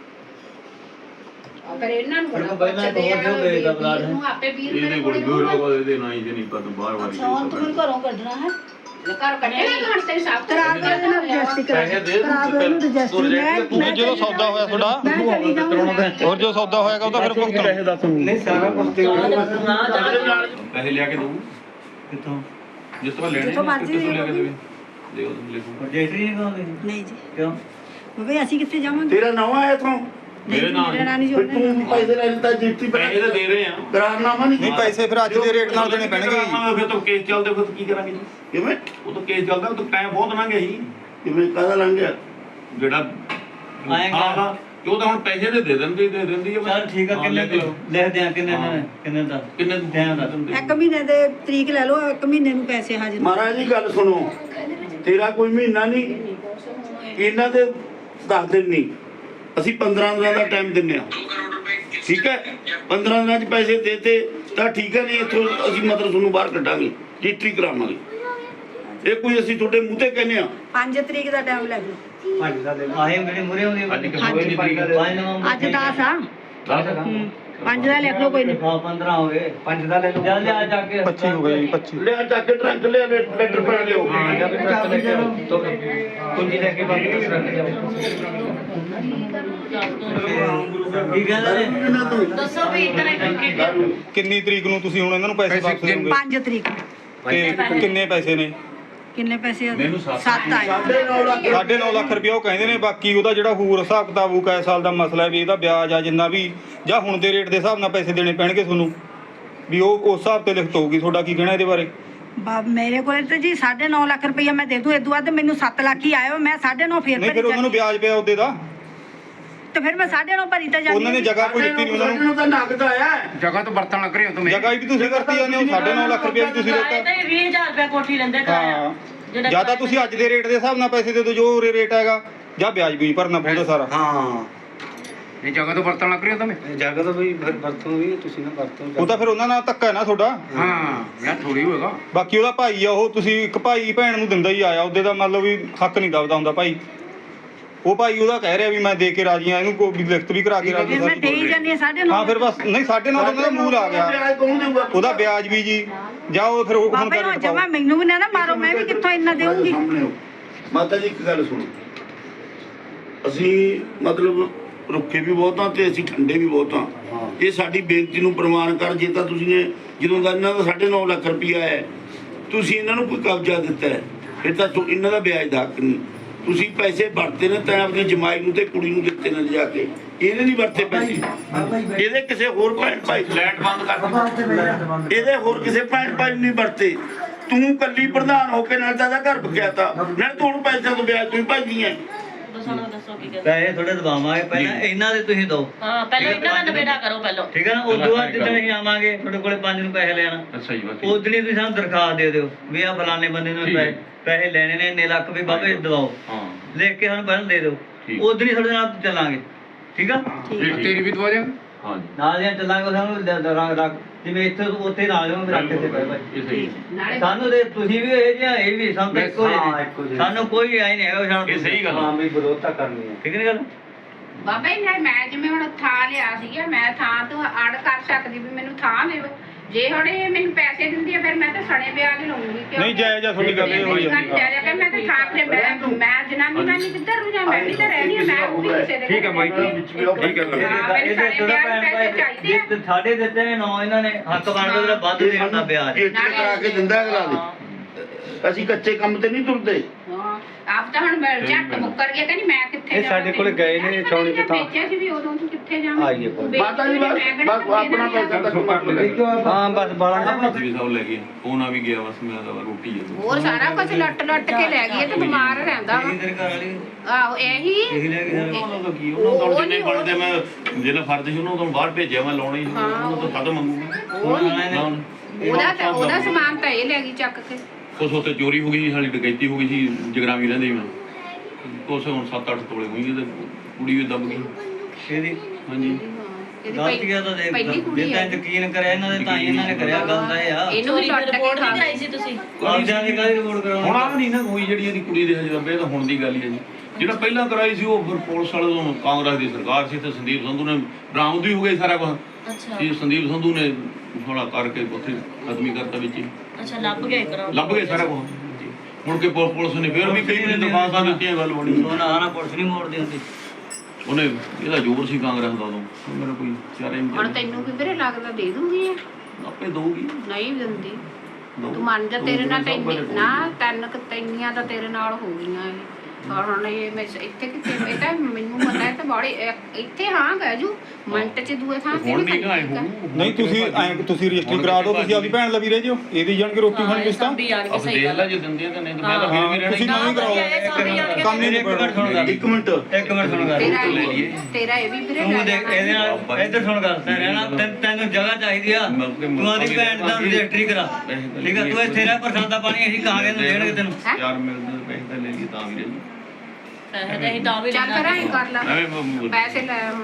[SPEAKER 6] ਪਰ ਇਹਨਾਂ ਨੂੰ ਬੜਾ
[SPEAKER 2] ਪਹਿਲਾਂ
[SPEAKER 6] ਪੁੱਛਦੇ
[SPEAKER 2] ਬਹੁਤ ਜੋ ਵੇਚਦਾ ਬਲਾਡ
[SPEAKER 6] ਨੂੰ ਆਪੇ ਵੀਰ
[SPEAKER 7] ਇਹਦੇ
[SPEAKER 6] ਮੇਰੇ
[SPEAKER 7] ਕੋਲ
[SPEAKER 6] ਕੋਲ
[SPEAKER 7] ਬਿਊਰੋ ਕੋਲ ਇਹਦੇ ਨਾਲ ਹੀ ਨਹੀਂ ਪਤਾ ਬਾਹਰ ਵਾਲੀ
[SPEAKER 1] ਹੁਣ ਤੁਹਾਨੂੰ ਘਰੋਂ ਕੱਢਣਾ ਹੈ
[SPEAKER 6] ਘਰ ਕੱਢੇ ਨਾ ਘਰ ਤੇ ਸਾਫ
[SPEAKER 1] ਕਰਾ ਕੇ ਇਹਦੇ ਨਾਲ ਰਜਿਸਟਰੀ ਕਰਾ ਕਰਾ ਦੋ ਇਹਨੂੰ ਰਜਿਸਟਰੀ ਮੈਂ ਮੈਂ
[SPEAKER 4] ਜਦੋਂ ਸੌਦਾ ਹੋਇਆ ਤੁਹਾਡਾ
[SPEAKER 1] ਮੈਂ ਚਲੀ ਜਾਊਂਗੀ
[SPEAKER 4] ਹੋਰ ਜੋ ਸੌਦਾ ਹੋਏਗਾ ਉਹਦਾ ਫਿਰ ਭੁਗਤਣ
[SPEAKER 2] ਨਹੀਂ ਸਾਰਾ ਕੁਝ ਤੇ
[SPEAKER 7] ਪੈਸੇ ਲਿਆ ਕੇ ਦਊ
[SPEAKER 2] ਕਿੱਥੋਂ
[SPEAKER 7] ਜਿਸ ਤਰ੍ਹਾਂ ਲੈਣੇ
[SPEAKER 1] ਜਿੱਥੋਂ ਮਰਜ਼ੀ
[SPEAKER 7] ਕਿੱਥੋਂ ਲਿਆ ਕੇ ਦੇਵੇ ਦੇ ਉਹ ਲਿਖੋ
[SPEAKER 2] ਜੈਸੀ ਨਹੀਂ ਕਹੋਗੇ
[SPEAKER 1] ਨਹੀਂ ਜੀ
[SPEAKER 2] ਕਿਉਂ
[SPEAKER 1] ਬਈ ਅਸੀਂ ਕਿੱਥੇ ਜਾਵਾਂਗੇ
[SPEAKER 3] ਤੇਰਾ ਨਵਾਂ ਆਇਆ ਤੂੰ
[SPEAKER 7] ਮੇਰੇ ਨਾਲ
[SPEAKER 1] ਮੇਰਾ ਨਾਨੀ
[SPEAKER 3] ਫਿਰ
[SPEAKER 1] ਜੋੜਨੇ
[SPEAKER 3] ਤੂੰ ਪੈਸੇ ਲੈ ਲਿੱਤਾ ਜਿੱਤੀ
[SPEAKER 7] ਪੈਸੇ ਤਾਂ ਦੇ ਰਹੇ ਆ
[SPEAKER 3] ਕਰਾਰਨਾਮਾ ਨਹੀਂ
[SPEAKER 4] ਨਹੀਂ ਪੈਸੇ ਫਿਰ ਅੱਜ ਦੇ ਰੇਟ ਨਾਲ ਦੇਣੇ ਪੈਣਗੇ ਜੀ
[SPEAKER 7] ਫਿਰ ਤਾਂ ਕੇਸ ਚੱਲਦੇ ਫਿਰ ਕੀ ਕਰਾਂਗੇ ਜੀ
[SPEAKER 3] ਕਿਵੇਂ
[SPEAKER 7] ਉਹ ਤਾਂ ਕੇਸ ਚੱਲਦਾ ਉਹ ਤਾਂ ਟਾਈਮ ਬਹੁਤ ਲੰਘ ਗਿਆ ਸੀ
[SPEAKER 3] ਕਿਵੇਂ ਕਾਹਦਾ ਲੰਘ ਗਿਆ
[SPEAKER 7] ਜਿਹੜਾ
[SPEAKER 2] ਆਏਗਾ।
[SPEAKER 7] ਹਾਂ ਹਾਂ ਜੋ ਤਾਂ ਹੁਣ ਪੈਸੇ ਦੇ ਦੇ ਦਿੰਦੀ ਦੇ ਦਿੰਦੀ ਆ
[SPEAKER 2] ਚਲ ਠੀਕ ਆ ਕਿੰਨੇ ਕਿਲੋ ਲਿਖ ਦਿਆਂ ਕਿੰਨੇ ਨੇ ਕਿੰਨੇ ਦਾ
[SPEAKER 7] ਕਿੰਨੇ
[SPEAKER 2] ਦਿਆਂ ਦਾ
[SPEAKER 1] ਇੱਕ ਮਹੀਨੇ ਦੇ ਤਰੀਕ ਲੈ ਲਓ ਇੱਕ ਮਹੀਨੇ ਨੂੰ ਪੈਸੇ ਹਾਜ਼ਰ
[SPEAKER 3] ਮਹਾਰਾਜ ਜੀ ਗੱਲ ਸੁਣੋ ਤੇਰਾ ਕੋਈ ਮਹੀਨਾ ਨਹੀਂ ਇਹਨਾਂ ਦੇ ਦਸ ਦਿਨ ਨਹੀਂ ਅਸੀਂ ਪੰਦਰਾਂ ਦਿਨਾਂ ਦਾ ਟਾਈਮ ਦਿੰਨੇ ਆ ਠੀਕ ਹੈ ਪੰਦਰਾਂ ਦਿਨਾਂ ਚ ਪੈਸੇ ਦੇਤੇ ਤਾਂ ਠੀਕ ਹੈ ਨਹੀਂ ਇੱਥੋਂ ਅਸੀਂ ਮਤਲਬ ਤੁਹਾਨੂੰ ਬਾਹਰ ਕੱਢਾਂਗੇ ਰਜਿਸਟਰੀ ਕਰਾਵਾਂਗੇ ਇਹ ਕੋਈ ਅਸੀਂ ਤੁਹਾਡੇ ਮੂੰਹ ਤੇ ਕਹਿੰਦੇ ਆ
[SPEAKER 1] ਪੰਜ ਤਰੀਕ ਦਾ ਟਾਈਮ ਲੈ ਲਓ
[SPEAKER 2] ਆਏ ਮੇਰੇ ਮੂਰੇ ਹੁੰਦੀ
[SPEAKER 7] ਅੱਜ ਕਿਹੜੀ ਦੀ ਤਰੀਕ
[SPEAKER 2] ਪੰਜ ਨਵੰਬਰ
[SPEAKER 1] ਅੱਜ ਦਸ ਆ
[SPEAKER 7] ਦੱਸ
[SPEAKER 1] ਪੰਜ ਦਾ ਲਿਖ ਲਓ ਕੋਈ ਨਹੀਂ
[SPEAKER 2] ਹਾਂ ਪੰਦਰਾਂ ਹੋ ਗਏ ਪੰਜ ਦਾ ਲੈ ਲਓ ਜਲਦੀ ਆ ਜਾ ਕੇ
[SPEAKER 4] ਪੱਚੀ ਹੋ ਗਏ ਜੀ ਪੱਚੀ
[SPEAKER 3] ਲਿਆ ਚੱਕ ਕੇ ਟਰੰਕ ਲਿਆ ਲੈ- ਲੈਟਰ ਪਾ ਲਿਓ
[SPEAKER 2] ਕੁੰਜੀ ਲੈ ਕੇ ਬਾਕੀ ਰੱਖ ਜਾਓ ਕੀ ਕਹਿੰਦੇ ਨੇ
[SPEAKER 5] ਦੱਸੋ ਵੀ ਇੱਕ
[SPEAKER 4] ਕਿੰਨੀ ਤਰੀਕ ਨੂੰ ਤੁਸੀਂ ਹੁਣ ਇਹਨਾਂ ਨੂੰ ਪੈਸੇ ਵਾਪਸ ਦੇਵੋਗੇ
[SPEAKER 1] ਪੰਜ ਤਰੀਕ ਨੂੰ।
[SPEAKER 4] ਤੇ ਕਿੰਨੇ ਪੈਸੇ ਨੇ
[SPEAKER 1] ਕਿੰਨੇ ਪੈਸੇ ਆ
[SPEAKER 7] ਮੈਨੂੰ ਸੱਤ।
[SPEAKER 1] ਸੱਤ ਆਏ
[SPEAKER 3] ਸਾਢੇ ਨੌ ਲੱਖ
[SPEAKER 4] ਸਾਢੇ ਨੌ ਲੱਖ ਰੁਪਇਆ ਉਹ ਕਹਿੰਦੇ ਨੇ ਬਾਕੀ ਉਹਦਾ ਜਿਹੜਾ ਹੋਰ ਹਿਸਾਬ ਕਿਤਾਬ ਉਹ ਕੈ ਸਾਲ ਦਾ ਮਸਲਾ ਹੈ ਵੀ ਇਹਦਾ ਵਿਆਜ ਆ ਜਿੰਨਾ ਵੀ ਜਾਂ ਹੁਣ ਦੇ ਰੇਟ ਦੇ ਹਿਸਾਬ ਨਾਲ ਪੈਸੇ ਦੇਣੇ ਪੈਣਗੇ ਤੁਹਾਨੂੰ ਵੀ ਉਹ ਉਸ ਹਿਸਾਬ ਤੇ ਲਿਖਤ ਹੋਊਗੀ ਤੁਹਾਡਾ ਕੀ ਕਹਿਣਾ ਇਹਦੇ ਬਾਰੇ
[SPEAKER 1] ਬਾ ਮੇਰੇ ਕੋਲੇ ਤੇ ਜੀ ਸਾਢੇ ਨੌ ਲੱਖ ਰੁਪਈਆ ਮੈਂ ਦੇ ਦੂੰ ਇਦੋਂ ਬਾਅਦ ਮੈਨੂੰ ਸੱਤ ਲੱਖ ਹੀ ਆਇਆ ਮੈਂ ਸਾਢੇ ਨੌ ਫੇਰ
[SPEAKER 4] ਨਹੀਂ
[SPEAKER 1] ਭਰੀ
[SPEAKER 4] ਫਿਰ ਉਹਨਾਂ ਨੂੰ
[SPEAKER 1] ਜਾਂਦੀ।
[SPEAKER 4] ਵਿਆਜ ਪਿਆ ਉਹਦੇ ਦਾ
[SPEAKER 1] ਤੇ ਫਿਰ ਮੈਂ ਸਾਢੇ ਨੌ ਭਰੀ ਤਾਂ ਜਾਂਦੀ
[SPEAKER 4] ਉਹਨਾਂ ਨੇ ਜਗ੍ਹਾ ਕੋਈ ਦਿੱਤੀ ਨਹੀਂ ਉਹਨਾਂ ਨੂੰ
[SPEAKER 3] ਨੂੰ ਤਾਂ ਨਗਦ ਆਇਆ
[SPEAKER 9] ਜਗ੍ਹਾ ਤੋਂ ਬਰਤਨ ਲੱਗ ਰਹੇ ਹੋ ਤੁਸੀਂ
[SPEAKER 4] ਜਗ੍ਹਾ ਵੀ ਤੁਸੀਂ ਕਰਤੀ ਜਾਂਦੇ ਹੋ ਸਾਢੇ ਨੌ ਲੱਖ ਰੁਪਇਆ ਵੀ ਤੁਸੀਂ
[SPEAKER 5] ਆਏ
[SPEAKER 4] ਦਿੱਤਾ
[SPEAKER 5] ਤਾਂ ਵੀਹ ਹਜ਼ਾਰ ਰੁਪਏ ਕੋਠੀ ਲੈਂਦੇ
[SPEAKER 4] ਹਾਂ
[SPEAKER 5] ਕਰਾਇਆ
[SPEAKER 4] ਜਾਂ ਤਾਂ ਤੁਸੀਂ ਅੱਜ ਦੇ ਰੇਟ ਦੇ ਹਿਸਾਬ ਨਾਲ ਪੈਸੇ ਦੇ ਦਿਓ ਜੋ ਉਰੇ ਰੇਟ ਹੈਗਾ ਜਾਂ ਵਿਆਜ ਵੀ ਭਰਨਾ ਪਊਗਾ ਸਾਰਾ
[SPEAKER 3] ਹਾਂ
[SPEAKER 9] ਇਹ ਜਗ੍ਹਾ ਤੋਂ ਬਰਤਨ ਲੱਗ ਰਹੇ ਹੋ ਤੁਸੀਂ
[SPEAKER 2] ਜਗ੍ਹਾ ਤਾਂ ਬਈ ਵਰਤੋਂ ਵੀ ਤੁਸੀਂ ਨਾ ਵਰਤੋਂ
[SPEAKER 4] ਉਹ ਤਾਂ ਫਿਰ ਉਹਨਾਂ ਨਾਲ ਧੱਕਾ ਹੈ ਨਾ ਤੁਹਾਡਾ
[SPEAKER 9] ਹਾਂ ਯਾਰ ਥੋੜੀ ਹੋਏਗਾ
[SPEAKER 4] ਬਾਕੀ ਉਹਦਾ ਭਾਈ ਆ ਉਹ ਤੁਸੀਂ ਇੱਕ ਭਾਈ ਭੈਣ ਨੂੰ ਦਿੰਦਾ ਹੀ ਆਇਆ ਉਹਦੇ ਦਾ ਮਤਲਬ ਵੀ ਹੱਕ ਨਹੀਂ ਦਬਦਾ ਹੁੰਦਾ ਭਾਈ ਉਹ ਭਾਈ ਉਹਦਾ ਕਹਿ ਰਿਹਾ ਵੀ ਮੈਂ ਦੇ ਕੇ ਰਾਜੀ ਆ ਇਹਨੂੰ ਕੋਈ ਲਿਖਤ ਵੀ ਕਰਾ ਕੇ ਰਾਜੀ
[SPEAKER 1] ਫਿਰ ਮੈਂ
[SPEAKER 4] ਸਾਰੀ
[SPEAKER 1] ਦੇਈ ਜਾਂਦੀ ਹਾਂ ਸਾਢੇ ਨੌ
[SPEAKER 4] ਹਾਂ ਫਿਰ ਬਸ ਨਹੀਂ ਸਾਢੇ ਨੌ ਦਾ ਮੂਲ ਆ ਗਿਆ
[SPEAKER 3] ਵਿਆਜ ਕੌਣ ਦੇਊਗਾ
[SPEAKER 4] ਉਹਦਾ ਵਿਆਜ ਵੀ ਜੀ ਜਾਂ ਉਹ ਫਿਰ ਉਹ ਹੁਣ
[SPEAKER 1] ਬਾਬਾ
[SPEAKER 4] ਕਰ
[SPEAKER 1] ਜੀ ਜਮਾ ਮੈਨੂੰ ਵੀ ਨਾ ਨਾ ਮਾਰੋ ਮੈਂ ਵੀ ਕਿੱਥੋਂ ਇੰਨਾ ਦੇਵਾਂਗੀ
[SPEAKER 3] ਸਾਹਮਣੇ ਹੋ। ਮਾਤਾ ਜੀ ਇੱਕ ਗੱਲ ਸੁਣੋ ਅਸੀਂ ਮਤਲਬ ਰੁੱਖੇ ਵੀ ਬਹੁਤ ਆ ਤੇ ਅਸੀਂ ਠੰਡੇ ਵੀ ਬਹੁਤ ਆ ਇਹ ਸਾਡੀ ਬੇਨਤੀ ਨੂੰ ਪ੍ਰਮਾਣ ਕਰ ਜੇ ਤਾਂ ਤੁਸੀਂ ਨੇ ਜਦੋਂ ਦਾ ਇਹਨਾਂ ਦਾ ਸਾਢੇ ਨੌ ਲੱਖ ਰੁਪਇਆ ਹੈ ਤੁਸੀਂ ਇਹਨਾਂ ਨੂੰ ਕੋਈ ਕਬਜ਼ਾ ਦਿੱਤਾ ਹੈ ਫਿਰ ਤਾਂ ਤੁ- ਇਹਨਾਂ ਦਾ ਵਿਆਜ ਦਾ ਹੱਕ ਨਹੀਂ ਤੁਸੀਂ ਪੈਸੇ ਵਰਤੇ ਨੇ ਤਾਂ ਆਪਣੀ ਜਮਾਈ ਨੂੰ ਤੇ ਕੁੜੀ ਨੂੰ ਦਿੱਤੇ ਨੇ ਲਿਜਾ ਕੇ ਇਹਦੇ ਨਹੀਂ ਵਰਤੇ ਪੈਸੇ ਇਹਦੇ ਕਿਸੇ ਹੋਰ ਭੈਣ ਭਾਈ
[SPEAKER 7] ਲੈਟ ਬੰਦ ਕਰ
[SPEAKER 3] ਇਹਦੇ ਹੋਰ ਕਿਸੇ ਭੈਣ ਭਾਈ ਨੂੰ ਨਹੀਂ ਵਰਤੇ ਤੂੰ ਕੱਲੀ ਪ੍ਰਧਾਨ ਹੋ ਕੇ ਨਾਲ ਤਾਂ ਇਹਦਾ ਘਰ ਬਕਿਆ ਤਾ ਨਾਲ ਤੂੰ ਹੁਣ ਪੈਸਿਆਂ ਤੋਂ ਵਿਆਜ ਤੂੰ ਭਾਜੀ ਹੈ
[SPEAKER 5] ਦੱਸੋ ਨਾ ਦੱਸੋ ਕੀ ਕਹਿੰਦੇ
[SPEAKER 2] ਪੈਸੇ ਥੋੜੇ ਦਬਾਵਾਂਗੇ ਪਹਿਲਾਂ ਇਹਨਾਂ ਦੇ ਤੁਸੀਂ ਦਿਓ
[SPEAKER 5] ਹਾਂ ਪਹਿਲਾਂ ਇਹਨਾਂ ਦਾ ਨਿਬੇੜਾ ਕਰੋ ਪਹਿਲਾਂ
[SPEAKER 2] ਠੀਕ ਹੈ ਨਾ ਉਦੋਂ ਬਾਅਦ ਜਿੱਦਣ ਅਸੀਂ ਆਵਾਂਗੇ ਤੁਹਾਡੇ ਕੋਲੇ ਪੰਜ ਨੂੰ ਪੈਸੇ ਲੈਣਾ
[SPEAKER 7] ਅੱਛਾ ਜੀ ਬਸ
[SPEAKER 2] ਉਦੋਂ ਹੀ ਤੁਸੀਂ ਸਾਨੂੰ ਦਰਖਾਸਤ ਦੇ ਦਿਓ ਵੀ ਆ ਫਲਾਣੇ ਬੰਦੇ ਨੂੰ
[SPEAKER 7] ਠੀਕ ਹੈ।
[SPEAKER 2] ਪੈਸੇ ਪੈਸੇ ਲੈਣੇ ਨੇ ਇੰਨੇ ਲੱਖ ਵੀ ਬਾਬੇ ਦਵਾਓ
[SPEAKER 7] ਹਾਂ
[SPEAKER 2] ਲਿਖ ਕੇ ਸਾਨੂੰ ਪਹਿਲਾਂ ਦੇ ਦਿਓ
[SPEAKER 7] ਠੀਕ।
[SPEAKER 2] ਉਦੋਂ ਹੀ ਤੁਹਾਡੇ ਨਾਲ ਚੱਲਾਂਗੇ ਠੀਕ ਆ
[SPEAKER 9] ਤੇਰੀ ਵੀ ਦਵਾ ਦਿਆਂ
[SPEAKER 7] ਹਾਂਜੀ
[SPEAKER 2] ਨਾਲ ਦੀਆਂ ਚੱਲਾਂਗੇ ਸਾਨੂੰ ਰੰਗ ਰੱਖ ਜਿਵੇਂ ਇੱਥੇ ਉੱਥੇ ਨਾਲ ਨੂੰ ਰੱਖ ਕੇ ਪਏ ਭਾਈ
[SPEAKER 7] ਇਹ ਸਹੀ
[SPEAKER 2] ਸਾਨੂੰ ਤੇ ਤੁਸੀਂ ਵੀ ਇਹ ਜਿਹਾ ਇਹ ਵੀ ਸਾਨੂੰ ਤਾਂ ਇੱਕੋ ਜਿਹੇ ਸਾਨੂੰ ਕੋਈ ਆਈ ਨਹੀਂ ਹੈਗਾ ਵੀ ਸਾਨੂੰ
[SPEAKER 7] ਇਹ ਸਹੀ ਗੱਲ
[SPEAKER 2] ਹਾਂ ਵੀ ਵਿਰੋਧਤਾ ਕਰਨੀ ਹੈ ਠੀਕ ਨਹੀਂ ਗੱਲ
[SPEAKER 6] ਬਾਬਾ ਜੀ ਮੈਂ ਮੈਂ ਜਿਵੇਂ ਹੁਣ ਥਾਂ ਲਿਆ ਸੀਗਾ ਮੈਂ ਥਾਂ ਤੋਂ ਅੜ ਕਰ ਸਕਦੀ ਵੀ ਮੈਨੂੰ ਥਾਂ ਦੇਵੋ ਜੇ ਹੁਣ ਇਹ ਮੈਨੂੰ ਪੈਸੇ ਦਿੰਦੀ ਆ ਫਿਰ ਮੈਂ ਤਾਂ ਸਣੇ ਵਿਆਹ ਲਵਾਂਗੀ
[SPEAKER 4] ਨਹੀਂ ਜਾਇਜ਼ ਆ ਤੁਹਾਡੀ ਗੱਲ ਇਹ ਹੋਈ ਜਾਂਦੀ
[SPEAKER 6] ਆ ਮੈਂ ਤਾਂ ਥਾਂ ਤੇ ਮੈਂ ਮੈਂ ਜਨਾਨੀ ਮੈਂ ਨਹੀਂ ਕਿੱਧਰ ਨੂੰ ਜਾ ਮੈਂ ਵੀ ਤਾਂ ਰਹਿਣੀ ਆ ਮੈਂ ਉਹ ਵੀ ਕਿਸੇ ਦੇ
[SPEAKER 9] ਠੀਕ ਹੈ ਬਾਈ ਠੀਕ ਹੈ
[SPEAKER 2] ਇਹਦੇ ਥੋੜਾ ਭੈਣ ਭਾਈ ਜੇ ਸਾਡੇ ਦਿੱਤੇ ਨੇ ਨੌ ਇਹਨਾਂ ਨੇ ਹੱਕ ਬਣਦਾ ਜਿਹੜਾ ਵੱਧ ਦੇਣ ਦਾ ਵਿਆਜ
[SPEAKER 3] ਰਜਿਸਟਰੀ ਕਰਾ ਕੇ ਦਿੰਦਾ ਅਗਲਾ ਦੇ ਅਸੀਂ ਕੱਚੇ ਕੰਮ ਤੇ ਨਹੀਂ ਤੁਰਦੇ
[SPEAKER 6] ਹਾਂ ਆਪ ਤਾਂ ਹੁਣ ਝੱਟ ਮੁੱਕਰ ਗਿਆ ਕਹਿੰਦੀ ਮੈਂ ਕਿੱਥੇ
[SPEAKER 4] ਇਹ ਸਾਡੇ ਕੋਲ ਗਏ ਨੇ ਛਾਉਣੀ ਤੇ ਤਾਂ
[SPEAKER 6] ਵੇਚਿਆ ਸੀ ਵੀ ਉਦੋਂ ਤੂੰ ਕਿੱਥੇ ਜਾਵਾਂ
[SPEAKER 2] ਆਈਏ ਕੋਈ
[SPEAKER 3] ਮਾਤਾ ਜੀ ਬਸ ਬਸ ਆਪਣਾ ਪੈਸਾ ਤੱਕ ਮਤਲਬ
[SPEAKER 2] ਹਾਂ ਬਸ ਬਾਲਾਂ ਦਾ
[SPEAKER 7] ਜੀ ਸਭ ਲੈ ਗਏ ਉਹਨਾਂ ਵੀ ਗਿਆ ਬਸ ਮੈਂ ਤਾਂ ਰੋਟੀ ਹੈ
[SPEAKER 6] ਹੋਰ ਸਾਰਾ ਕੁਝ ਲੱਟ ਲੱਟ ਕੇ ਲੈ ਗਈ ਤੇ ਬਿਮਾਰ ਰਹਿੰਦਾ ਵਾ
[SPEAKER 2] ਤੇਰੇ ਘਰ ਵਾਲੀ
[SPEAKER 6] ਆਹੋ ਇਹੀ
[SPEAKER 2] ਇਹੀ ਲੈ ਕੇ ਜਾਣਾ।
[SPEAKER 7] ਉਹਨਾਂ ਦਾ ਕੀ ਉਹਨਾਂ ਤੋਂ ਜਿੰਨੇ ਬਣਦੇ ਮੈਂ ਜਿਹੜਾ ਫਰਜ਼ ਸੀ ਉਹਨਾਂ ਤੋਂ ਬਾਹਰ ਭੇਜਿਆ ਮੈਂ ਲਾਉਣਾ ਹੀ ਸੀ, ਉਹਨਾਂ ਤੋਂ ਕਦ ਮੰਗੂਗਾ
[SPEAKER 6] ਉਹਦਾ ਤਾਂ ਉਹਦਾ ਸਮਾਨ ਤਾਂ ਇਹ ਲੈ ਗਈ ਚੱਕ ਕੇ
[SPEAKER 7] ਕੁਛ ਉੱਥੇ ਚੋਰੀ ਹੋ ਗਈ ਹਾਲੀ ਡਕੈਤੀ ਹੋ ਗਈ ਸੀ ਜਗਰਾਵੀ ਰਹਿੰਦੇ ਸੀ ਮੈਂ ਕੁਛ ਹੁਣ ਸੱਤ ਅੱਠ ਤੋਲੇ ਹੋਈ ਤੇ ਕੁੜੀ ਵੀ ਦਬ ਗਈ
[SPEAKER 2] ਇਹਦੀ
[SPEAKER 7] ਹਾਂਜੀ
[SPEAKER 6] ਇਹਦੀ
[SPEAKER 2] ਗਲਤੀਆਂ ਤਾਂ ਦੇਖ
[SPEAKER 6] ਪਹਿਲੀ ਕੁੜੀ
[SPEAKER 2] ਜੇ ਤਾਂ
[SPEAKER 6] ਹੈ
[SPEAKER 2] ਯਕੀਨ ਕਰਿਆ ਇਹਨਾਂ ਦੇ ਤਾਂ ਹੀ ਇਹਨਾਂ ਨੇ ਕਰਿਆ ਗੱਲ ਤਾਂ ਇਹ ਆ
[SPEAKER 6] ਇਹਨੂੰ ਵੀ ਲੱਟ ਕੇ
[SPEAKER 5] ਰਿਪੋਰਟ
[SPEAKER 6] ਖਾ
[SPEAKER 5] ਨਹੀਂ ਕਰਾਈ ਸੀ ਤੁਸੀਂ
[SPEAKER 2] ਆਪਦਿਆਂ ਦੀ ਕਾਹਦੀ ਰਿਪੋਰਟ
[SPEAKER 7] ਹੁਣ
[SPEAKER 2] ਕਰਾਉਣੀ
[SPEAKER 7] ਆਹ ਨਹੀਂ ਨਾ ਕੋਈ ਜਿਹੜੀ ਇਹਦੀ ਕੁੜੀ ਦੇ ਹਜੇ ਦੱਬੇ ਤਾਂ ਹੁਣ ਦੀ ਗੱਲ ਹੀ ਹੈ ਜੀ ਜਿਹੜਾ ਪਹਿਲਾਂ ਕਰਾਈ ਸੀ ਉਹ ਫਿਰ ਪੁਲਿਸ ਵਾਲੇ ਤੋਂ ਕਾਂਗਰਸ ਦੀ ਸਰਕਾਰ ਸੀ ਤੇ ਸੰਦੀਪ ਸੰਧੂ ਨੇ ਬਰਾਮਦ ਵੀ ਹੋ ਗਈ ਸਾਰਾ ਕੁਝ
[SPEAKER 5] ਅੱਛਾ
[SPEAKER 7] ਸੀ ਸੰਦੀਪ ਸੰਧੂ ਨੇ ਥੋੜਾ ਕਰਕੇ ਉੱਥੇ ਖਤਮੀ ਕਰਤਾ ਵਿੱਚ ਹੀ
[SPEAKER 5] ਅੱਛਾ ਲੱਭ ਗਏ ਕਰਾਉ
[SPEAKER 7] ਲੱਭ ਗਏ ਸਾਰਾ ਕੁਝ ਮੁੜ ਕੇ ਪੁ- ਪੁਲਿਸ ਨੇ ਫਿਰ ਵੀ ਕਈ ਵਾਰੀ ਦਰਖਾਸਤਾਂ ਦਿੱਤੀਆਂ ਗੱਲ ਬਣੀ
[SPEAKER 2] ਉਹਨਾਂ ਆਣਾ ਪੁਲਿਸ ਨਹੀਂ ਮੋੜਦੀ ਹੁੰਦੀ
[SPEAKER 7] ਉਹਨੇ ਇਹਦਾ ਜ਼ੋਰ ਸੀ ਕਾਂਗਰਸ ਦਾ ਉਦੋਂ ਮੇਰਾ ਕੋਈ ਚਾਰੇ
[SPEAKER 6] ਹੁਣ ਤੈਨੂੰ ਕੀ ਵੀਰੇ ਲੱਗਦਾ ਦੇ ਦੂੰਗੀ ਇਹ?
[SPEAKER 7] ਆਪੇ ਦਊਗੀ
[SPEAKER 6] ਨਹੀਂ ਦਿੰਦੀ ਤੂੰ ਮੰਨ ਜਾ ਤੇਰੇ ਨਾਲ ਤਾਂ ਇੰਨੀ ਨਾ ਤਿੰਨ ਕੁ ਤੈਨੀਆਂ ਤਾਂ ਤੇਰੇ ਨਾਲ ਹੋ ਗਈਆਂ ਇਹ ਔਰ ਹੁਣ ਇਹ ਮੈਂ ਇੱਥੇ ਕਿਤੇ ਇਹ ਤਾਂ ਮੈਨੂੰ ਪਤਾ ਹੈ ਤਾਂ ਬੜੀ ਇੱਥੇ ਹਾਂ ਗਏ ਜੂ ਮਿੰਟ ਚ ਦੂਏ ਥਾਂ ਤੇ
[SPEAKER 7] ਹੁਣ
[SPEAKER 6] ਵੀ
[SPEAKER 7] ਨਹੀਂ ਆਏ
[SPEAKER 6] ਖੜੀਦਾ।
[SPEAKER 7] ਹੋ
[SPEAKER 4] ਨਹੀਂ ਤੁਸੀਂ ਐਂ ਤੁਸੀਂ ਰਜਿਸਟਰੀ ਕਰਾ ਦਿਓ ਤੁਸੀਂ ਆਪਦੀ ਭੈਣ ਲਵੀ ਰਹਿ ਜਿਓ ਇਹਦੀ ਜਾਣ ਕੇ ਰੋਟੀ ਖਾਣੀ ਕਿਸ ਤਾਂ
[SPEAKER 5] ਸਭ ਹੀ ਆਣ ਕੇ
[SPEAKER 7] ਅਬ
[SPEAKER 5] ਸਹੀ
[SPEAKER 7] ਦੇਖ
[SPEAKER 5] ਗੱਲ
[SPEAKER 7] ਲੈ ਜੇ ਦਿੰਦੇ ਆ ਤਾਂ ਨਹੀਂ ਤਾਂ ਮੈਂ ਤਾਂ ਫਿਰ ਵੀ ਰਹਿਣਾ
[SPEAKER 4] ਤੁਸੀਂ
[SPEAKER 7] ਹੀ।
[SPEAKER 4] ਨਵੀਂ ਕਰਾਓ ਕੰਮ ਹੀ ਨਹੀਂ
[SPEAKER 2] ਇੱਕ ਮਿੰਟ ਸੁਣ ਗੱਲ
[SPEAKER 3] ਇੱਕ ਮਿੰਟ
[SPEAKER 2] ਇੱਕ ਮਿੰਟ ਸੁਣ ਗੱਲ
[SPEAKER 6] ਤੇਰਾ
[SPEAKER 7] ਲੈ ਲਈਏ।
[SPEAKER 6] ਇਹ- ਤੇਰਾ ਇਹ ਵੀ ਵੀਰੇ
[SPEAKER 2] ਤੂੰ
[SPEAKER 6] ਲੈ
[SPEAKER 2] ਦੇਖ ਇਹਦੇ
[SPEAKER 6] ਜਾਣਾ।
[SPEAKER 2] ਨਾਲ ਇੱਧਰ ਸੁਣ ਗੱਲ ਤੈਨੂੰ ਰਹਿਣਾ ਤੈਨੂੰ- ਤੈਨੂੰ ਜਗ੍ਹਾ ਚਾਹੀਦੀ ਆ ਤੂੰ ਆਦੀ ਭੈਣ ਦਾ ਰਜਿਸਟਰੀ ਕਰਾ ਠੀਕ ਆ ਤੂੰ ਇੱਥੇ ਰਹਿ ਪ੍ਰਸਾਦਾ ਪਾਣੀ ਅਸੀਂ ਕਹਾਂਗੇ ਨੂੰ ਦੇਣਗੇ ਤੈਨੂੰ
[SPEAKER 7] ਚਾਰ ਮਿਲਦੇ ਪੈਸੇ ਤਾਂ ਲੈ ਲਈ ਤਾਂ ਵੀ ਰਹੀ
[SPEAKER 5] ਪੈਸੇ ਤੇ ਅਸੀਂ ਤਾਂ ਵੀ
[SPEAKER 6] ਚੱਲ ਕਰਾਂ ਇਹ ਕਰ ਲਾ
[SPEAKER 7] ਐਵੇਂ ਮ-
[SPEAKER 6] ਪੈਸੇ ਲੈ ਹੁਣ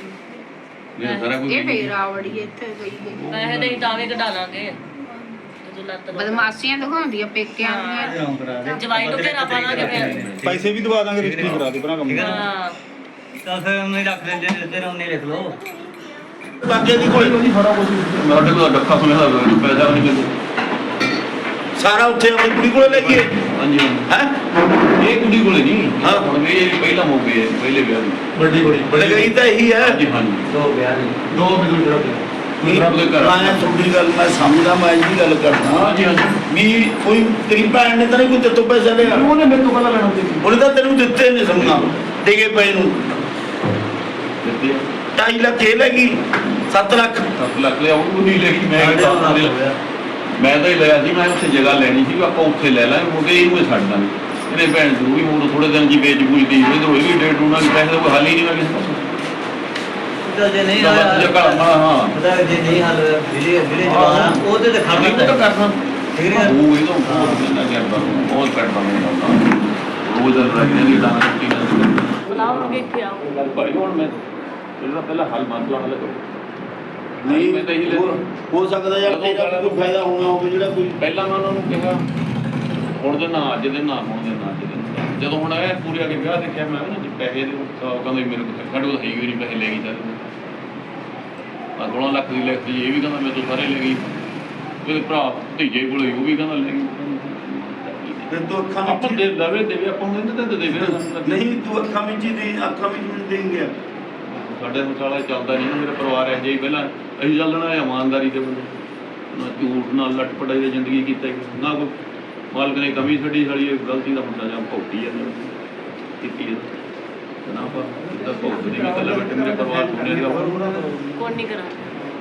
[SPEAKER 7] ਇਹ ਸਾਰਾ ਕੁਝ
[SPEAKER 6] ਇਹ ਫੇਰ ਆਵੜੀ ਇੱਥੇ ਗਈ ਗਈ
[SPEAKER 5] ਪੈਸੇ ਤੇ ਅਸੀਂ ਤਾਂ ਵੀ ਕਢਾ ਲਾਂਗੇ ਜਦੋਂ ਲੱਤ ਨੂੰ-
[SPEAKER 6] ਬਦਮਾਸ਼ੀਆਂ ਦਿਖਾਉਂਦੀ ਆ ਪੇਕਿਆਂ ਦੀਆਂ
[SPEAKER 2] ਕਿਉਂ ਕਰਾ ਦੇ
[SPEAKER 5] ਜਵਾਈ ਨੂੰ ਘੇਰਾ ਪਾ ਲਾਂਗੇ ਫਿਰ
[SPEAKER 4] ਪੈਸੇ ਵੀ ਦਵਾ ਦਾਂਗੇ ਰਜਿਸਟਰੀ ਕਰਾ ਦੇ ਭਰਾ ਕੰਮ
[SPEAKER 5] ਹਾਂ
[SPEAKER 2] ਤਾਂ ਫਿਰ ਉਹਨੇ ਰੱਖ ਲੈਂਦੇ ਨੇ ਤੇਰਾ ਉਹਨੇ ਲਿਖ ਲਓ
[SPEAKER 3] ਲੱਗੇ ਦੀ ਕੋਈ ਨਹੀਂ ਸਾਰਾ ਕੁਝ
[SPEAKER 7] ਮੇਰੇ ਕੋਲ ਡੱਕਾ ਸੁਣਿਆ ਦਾ ਪੈਸਾ ਵੀ ਨਹੀਂ ਮਿਲਦਾ
[SPEAKER 3] ਸਾਰਾ ਉੱਥੇ ਆਪਣੀ ਕੁੜੀ ਕੋਲੇ ਲੈ ਗਏ
[SPEAKER 7] ਹਾਂਜੀ
[SPEAKER 3] ਹੈ
[SPEAKER 7] ਇਹ ਕੁੜੀ ਕੋਲੇ ਨਹੀਂ
[SPEAKER 3] ਹਾਂ।
[SPEAKER 7] ਹੁਣ ਵੀ ਇਹ ਪਹਿਲਾ ਮੌਕੇ ਹੈ ਪਹਿਲੇ ਵਿਆਹ ਦੀ
[SPEAKER 3] ਵੱਡੀ ਕੁੜੀ ਲਗਾਈ ਤਾਂ ਇਹੀ ਹੈ
[SPEAKER 7] ਹਾਂਜੀ ਹਾਂਜੀ
[SPEAKER 2] ਦੋ ਵਿਆਹ ਨੇ
[SPEAKER 7] ਦੋ ਮਿੰਟ ਜਿਹੜਾ
[SPEAKER 3] ਨਹੀਂ,
[SPEAKER 7] ਉਹਦੇ ਘਰ
[SPEAKER 3] ਮੈਂ ਤੁਹਾਡੀ ਗੱਲ ਮੈਂ ਸਮਝਦਾ ਮੈਂ ਇਹ ਗੱਲ ਕਰਦਾ
[SPEAKER 7] ਹਾਂਜੀ ਹਾਂਜੀ
[SPEAKER 3] ਵੀ ਕੋਈ ਤੇਰੀ ਭੈਣ ਨੇ ਤਾਂ ਨਹੀਂ ਕੋਈ ਤੇਤੋਂ ਪੈਸਾ ਲਿਆ
[SPEAKER 7] ਉਹਨੇ ਮੇਰੇ ਤੋਂ ਪਹਿਲਾਂ ਲੈਣਾ ਸੀ
[SPEAKER 3] ਉਹਨੇ ਤਾਂ ਤੈਨੂੰ ਦਿੱਤੇ ਨੇ ਸਮਝਾ ਦੇਗੇ ਪਏ ਨੂੰ
[SPEAKER 7] ਦਿੱਤੇ
[SPEAKER 3] ਢਾਈ ਲੱਖ ਇਹ ਲੈ ਗਈ ਸੱਤ ਲੱਖ
[SPEAKER 7] ਸੱਤ ਲੱਖ ਲਿਆ ਉਹ ਨਹੀਂ ਲੈ ਗਈ ਮੈਂ
[SPEAKER 2] ਸਾਡੇ
[SPEAKER 7] ਤਾਂ
[SPEAKER 2] ਨਾਲ
[SPEAKER 7] ਲਿਆ।
[SPEAKER 2] ਹੋਇਆ।
[SPEAKER 7] ਮੈਂ ਤਾਂ ਹੀ ਲਿਆ ਸੀ ਮੈਂ ਉੱਥੇ ਜਗ੍ਹਾ ਲੈਣੀ ਸੀ ਵੀ ਆਪਾਂ ਉੱਥੇ ਲੈ ਲਾਂਗੇ ਮੁੰਡੇ ਇਹਨੂੰ ਹੀ ਛੱਡ ਦਾਂਗੇ ਇਹਨੇ ਭੈਣ ਜ਼ਰੂਰੀ ਹੁਣ ਥੋੜੇ ਦਿਨ ਜੀ ਵੇਚ ਬੂਝਦੀ ਹੋਈ ਤੇ ਇਹ ਵੀ ਡੇਢ ਨੂੰ ਨਾ ਪੈਸੇ ਦਾ ਕੋਈ ਹੱਲ ਹੀ ਨਹੀਂ ਹੋਇਆ ਕਿਸੇ ਪਾਸੋਂ
[SPEAKER 2] ਤਾਂ ਜੇ ਨਹੀਂ
[SPEAKER 7] ਤਾਂ ਬਸ
[SPEAKER 2] ਆਇਆ
[SPEAKER 7] ਜਗ੍ਹਾ ਹਾਂ ਹਾਂ
[SPEAKER 2] ਪਤਾ ਜੇ ਨਹੀਂ ਹੱਲ ਜਿਹੜੇ ਜਿਹੜੇ ਜਵਾਨ ਆ, ਉਹਦੇ ਤੇ ਖੜਨਾ
[SPEAKER 7] ਨਹੀਂ ਉਹ ਤਾਂ ਕਰਨਾ
[SPEAKER 2] ਠੀਕ ਹੈ
[SPEAKER 7] ਉਹ ਇਹ ਤਾਂ ਬਹੁਤ ਜਿੰਨਾ ਕਰਦਾ ਬਹੁਤ ਕਰਦਾ ਮੈਂ ਰੋਜ਼ ਰੱਖਣੇ ਦੀ ਡਾਂਗ ਛੁੱਟੀ ਨਾ
[SPEAKER 5] ਬੁਲਾਓਗੇ ਇੱਥੇ ਆਓ
[SPEAKER 7] ਭਾਈ ਹੁਣ ਮੈਂ ਇਹਦਾ ਪਹਿਲਾਂ ਹੱਲ ਮਸਲਾ ਹੱਲ ਕਰੋ
[SPEAKER 3] ਨਹੀਂ
[SPEAKER 7] ਮੈਂ ਤਾਂ ਇਹੀ ਲੈ-
[SPEAKER 3] ਹੋ- ਹੋ ਸਕਦਾ ਯਾਰ ਤੇਰਾ ਵੀ ਕੋਈ ਫਾਇਦਾ ਹੋਣਾ ਹੋਵੇ ਜਿਹੜਾ ਕੋਈ
[SPEAKER 7] ਪਹਿਲਾਂ ਮੈਂ ਉਹਨਾਂ ਨੂੰ ਕਿਹਾ ਹੁਣ ਦੇ ਨਾ ਅੱਜ ਦੇ ਨਾ ਹੁਣ ਦੇ ਨਾ ਅੱਜ ਦੇ ਨਾ। ਜਦੋਂ ਹੁਣ ਇਹ ਪੂਰੇ ਆ ਕੇ ਵਿਆਹ ਦੇਖਿਆ ਮੈਂ ਨਾ ਜੀ ਪੈਸੇ ਦੇ ਤਾਂ ਉਹ ਕਹਿੰਦੇ ਮੇਰੇ ਕੋਲ ਸਾਡੇ ਕੋਲ ਹੈ ਹੀ ਨਹੀਂ ਪੈਸੇ ਲੈ ਗਈ ਸਾਰੇ ਆ ਸੋਲਾਂ ਲੱਖ ਦੀ ਲਿਖਤੀ ਇਹ ਵੀ ਕਹਿੰਦਾ ਮੇਰੇ ਤੋਂ ਸਾਰੇ ਲੈ ਗਈ ਉਹਦੇ ਭਰਾ ਭਤੀਜੇ ਕੋਲ ਉਹ ਵੀ ਕਹਿੰਦਾ ਲੈ ਗਈ
[SPEAKER 3] ਤੇ ਤੂੰ ਅੱਖਾਂ
[SPEAKER 7] ਆਪਾਂ
[SPEAKER 3] ਵਿੱਚ
[SPEAKER 7] ਦੇ ਦਵੇ ਦੇਵੇ ਆਪਾਂ ਨੂੰ ਨਹੀਂ ਦਿੰਦੇ ਦੇਵੇ
[SPEAKER 3] ਨਹੀਂ ਤੂੰ ਅੱਖਾਂ ਵਿੱਚ ਹੀ ਦੇ ਅੱਖਾਂ ਵਿੱਚ ਨਹੀਂ ਦੇਂਗੇ
[SPEAKER 7] ਸਾਡੇ ਮੁਕਾਲਾ ਚੱਲਦਾ ਨਹੀਂ ਨਾ, ਮੇਰਾ ਪਰਿਵਾਰ ਇਹ ਜਿਹਾ ਹੀ ਪਹਿਲਾਂ ਅਸੀਂ ਚੱਲਣਾ ਇਮਾਨਦਾਰੀ ਦੇ ਬੰਦੇ ਨਾ ਝੂਠ ਨਾਲ ਲੱਟਪਟਾਈ ਦੀ ਜ਼ਿੰਦਗੀ ਕੀਤਾ ਹੀ ਨਹੀਂ। ਨਾ ਕੋਈ ਮਾਲਕ ਨੇ ਕਮੀ ਛੱਡੀ ਸਾਡੀ ਇਹ ਗਲਤੀ ਦਾ ਮੁੰਡਾ ਜਾਂ ਭੌਤੀ ਹੈ ਕੀਤੀ ਹੈ ਤੇ ਨਾ ਆਪਾਂ ਤਾਂ ਭੌਤ ਨਹੀਂ ਵੀ ਕੱਲਾ ਬੈਠੇ ਮੇਰੇ ਪਰਿਵਾਰ ਸੁਣਿਆ ਦੀ ਆਪਾਂ
[SPEAKER 5] ਕੋਈ ਨਹੀਂ ਕਰਾਂਗੇ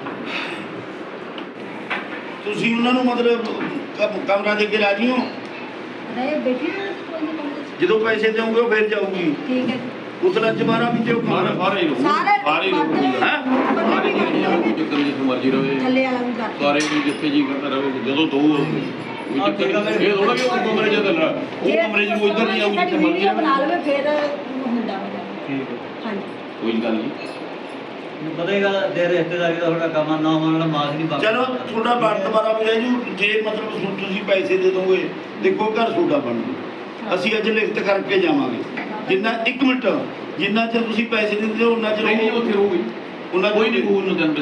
[SPEAKER 3] ਤੁਸੀਂ ਉਹਨਾਂ ਨੂੰ ਮਤਲਬ ਕਮ- ਕਮਰਾ ਦੇ ਕੇ ਰਾਜੀ ਹੋ
[SPEAKER 1] ਨਹੀਂ ਬੇਟੀ
[SPEAKER 3] ਜਦੋਂ ਪੈਸੇ ਦੇਵੋਗੇ ਉਹ ਫਿਰ ਜਾਊਗੀ
[SPEAKER 1] ਠੀਕ ਹੈ
[SPEAKER 3] ਉਸ ਲੱਜ ਮਾਰਾ ਵੀ ਤੇ ਉਹ
[SPEAKER 7] ਸਾਰੇ
[SPEAKER 3] ਕਮਰਾ
[SPEAKER 7] ਸਾਰੇ ਹੀ ਲੋਕ
[SPEAKER 1] ਸਾਰੇ
[SPEAKER 7] ਸਾਰੇ ਹੀ ਲੋਕ
[SPEAKER 3] ਹੈ
[SPEAKER 7] ਸਾਰੇ ਹੀ ਲੋਕ ਕੋਈ ਚੱਕਰ ਨਹੀਂ ਜਿੱਥੇ ਮਰਜ਼ੀ ਰਵੇ
[SPEAKER 1] ਥੱਲੇ ਵਾਲਾ ਵੀ ਕਰ
[SPEAKER 7] ਸਾਰੇ ਵੀ ਜਿੱਥੇ ਜੀ ਕਰਦਾ ਰਵੇ ਜਦੋਂ ਦੋ ਕੋਈ ਚੱਕਰ ਨਹੀਂ ਇਹ ਥੋੜਾ ਕਿ ਉਹ ਕਮਰੇ 'ਚ ਚੱਲ ਉਹ ਕਮਰੇ 'ਚ ਕੋਈ ਇੱਧਰ ਨਹੀਂ ਆਊ ਜਿੱਥੇ ਮਰਜ਼ੀ
[SPEAKER 1] ਬਣਾ
[SPEAKER 7] ਰਵੇ
[SPEAKER 1] ਲਵੇ ਫਿਰ ਹੁੰਦਾ
[SPEAKER 2] ਠੀਕ ਹੈ
[SPEAKER 1] ਹਾਂਜੀ
[SPEAKER 7] ਕੋਈ ਗੱਲ ਨਹੀਂ
[SPEAKER 2] ਪਤਾ ਹੀ ਗੱਲ ਦੇ ਰਿਸ਼ਤੇਦਾਰੀ ਦਾ ਤੁਹਾਡਾ ਕੰਮ ਆ, ਨਾ ਮੰਨ ਲਾ ਮਾਸ ਨਹੀਂ ਬਣ
[SPEAKER 3] ਚਲੋ ਤੁਹਾਡਾ ਵਕਤ ਬਾਰਾ ਵੀ ਰਹਿ ਜੂ। ਜੇ ਮਤਲਬ ਸੁ- ਤੁਸੀਂ ਪੈਸੇ ਦੇ ਦੋਗੇ, ਦੇਖੋ ਘਰ ਤੁਹਾਡਾ ਬਣ ਜੂ। ਅਸੀਂ ਅੱਜ ਲਿਖਤ ਕਰਕੇ ਜਾਵਾਂਗੇ, ਜਿੰਨਾ ਇੱਕ ਮਿੰਟ ਜਿੰਨਾ ਚਿਰ ਤੁਸੀਂ ਪੈਸੇ ਨਹੀਂ ਦਿੰਦੇ ਉਹਨਾਂ ਚਿਰ
[SPEAKER 7] ਨਹੀਂ
[SPEAKER 3] ਉਹ-
[SPEAKER 7] ਉੱਥੇ ਰਹੂਗੀ
[SPEAKER 3] ਉਹਨਾਂ
[SPEAKER 7] ਕੋਈ ਨਹੀਂ ਕਬੂਲ ਨੂੰ ਦਿੰਦੇ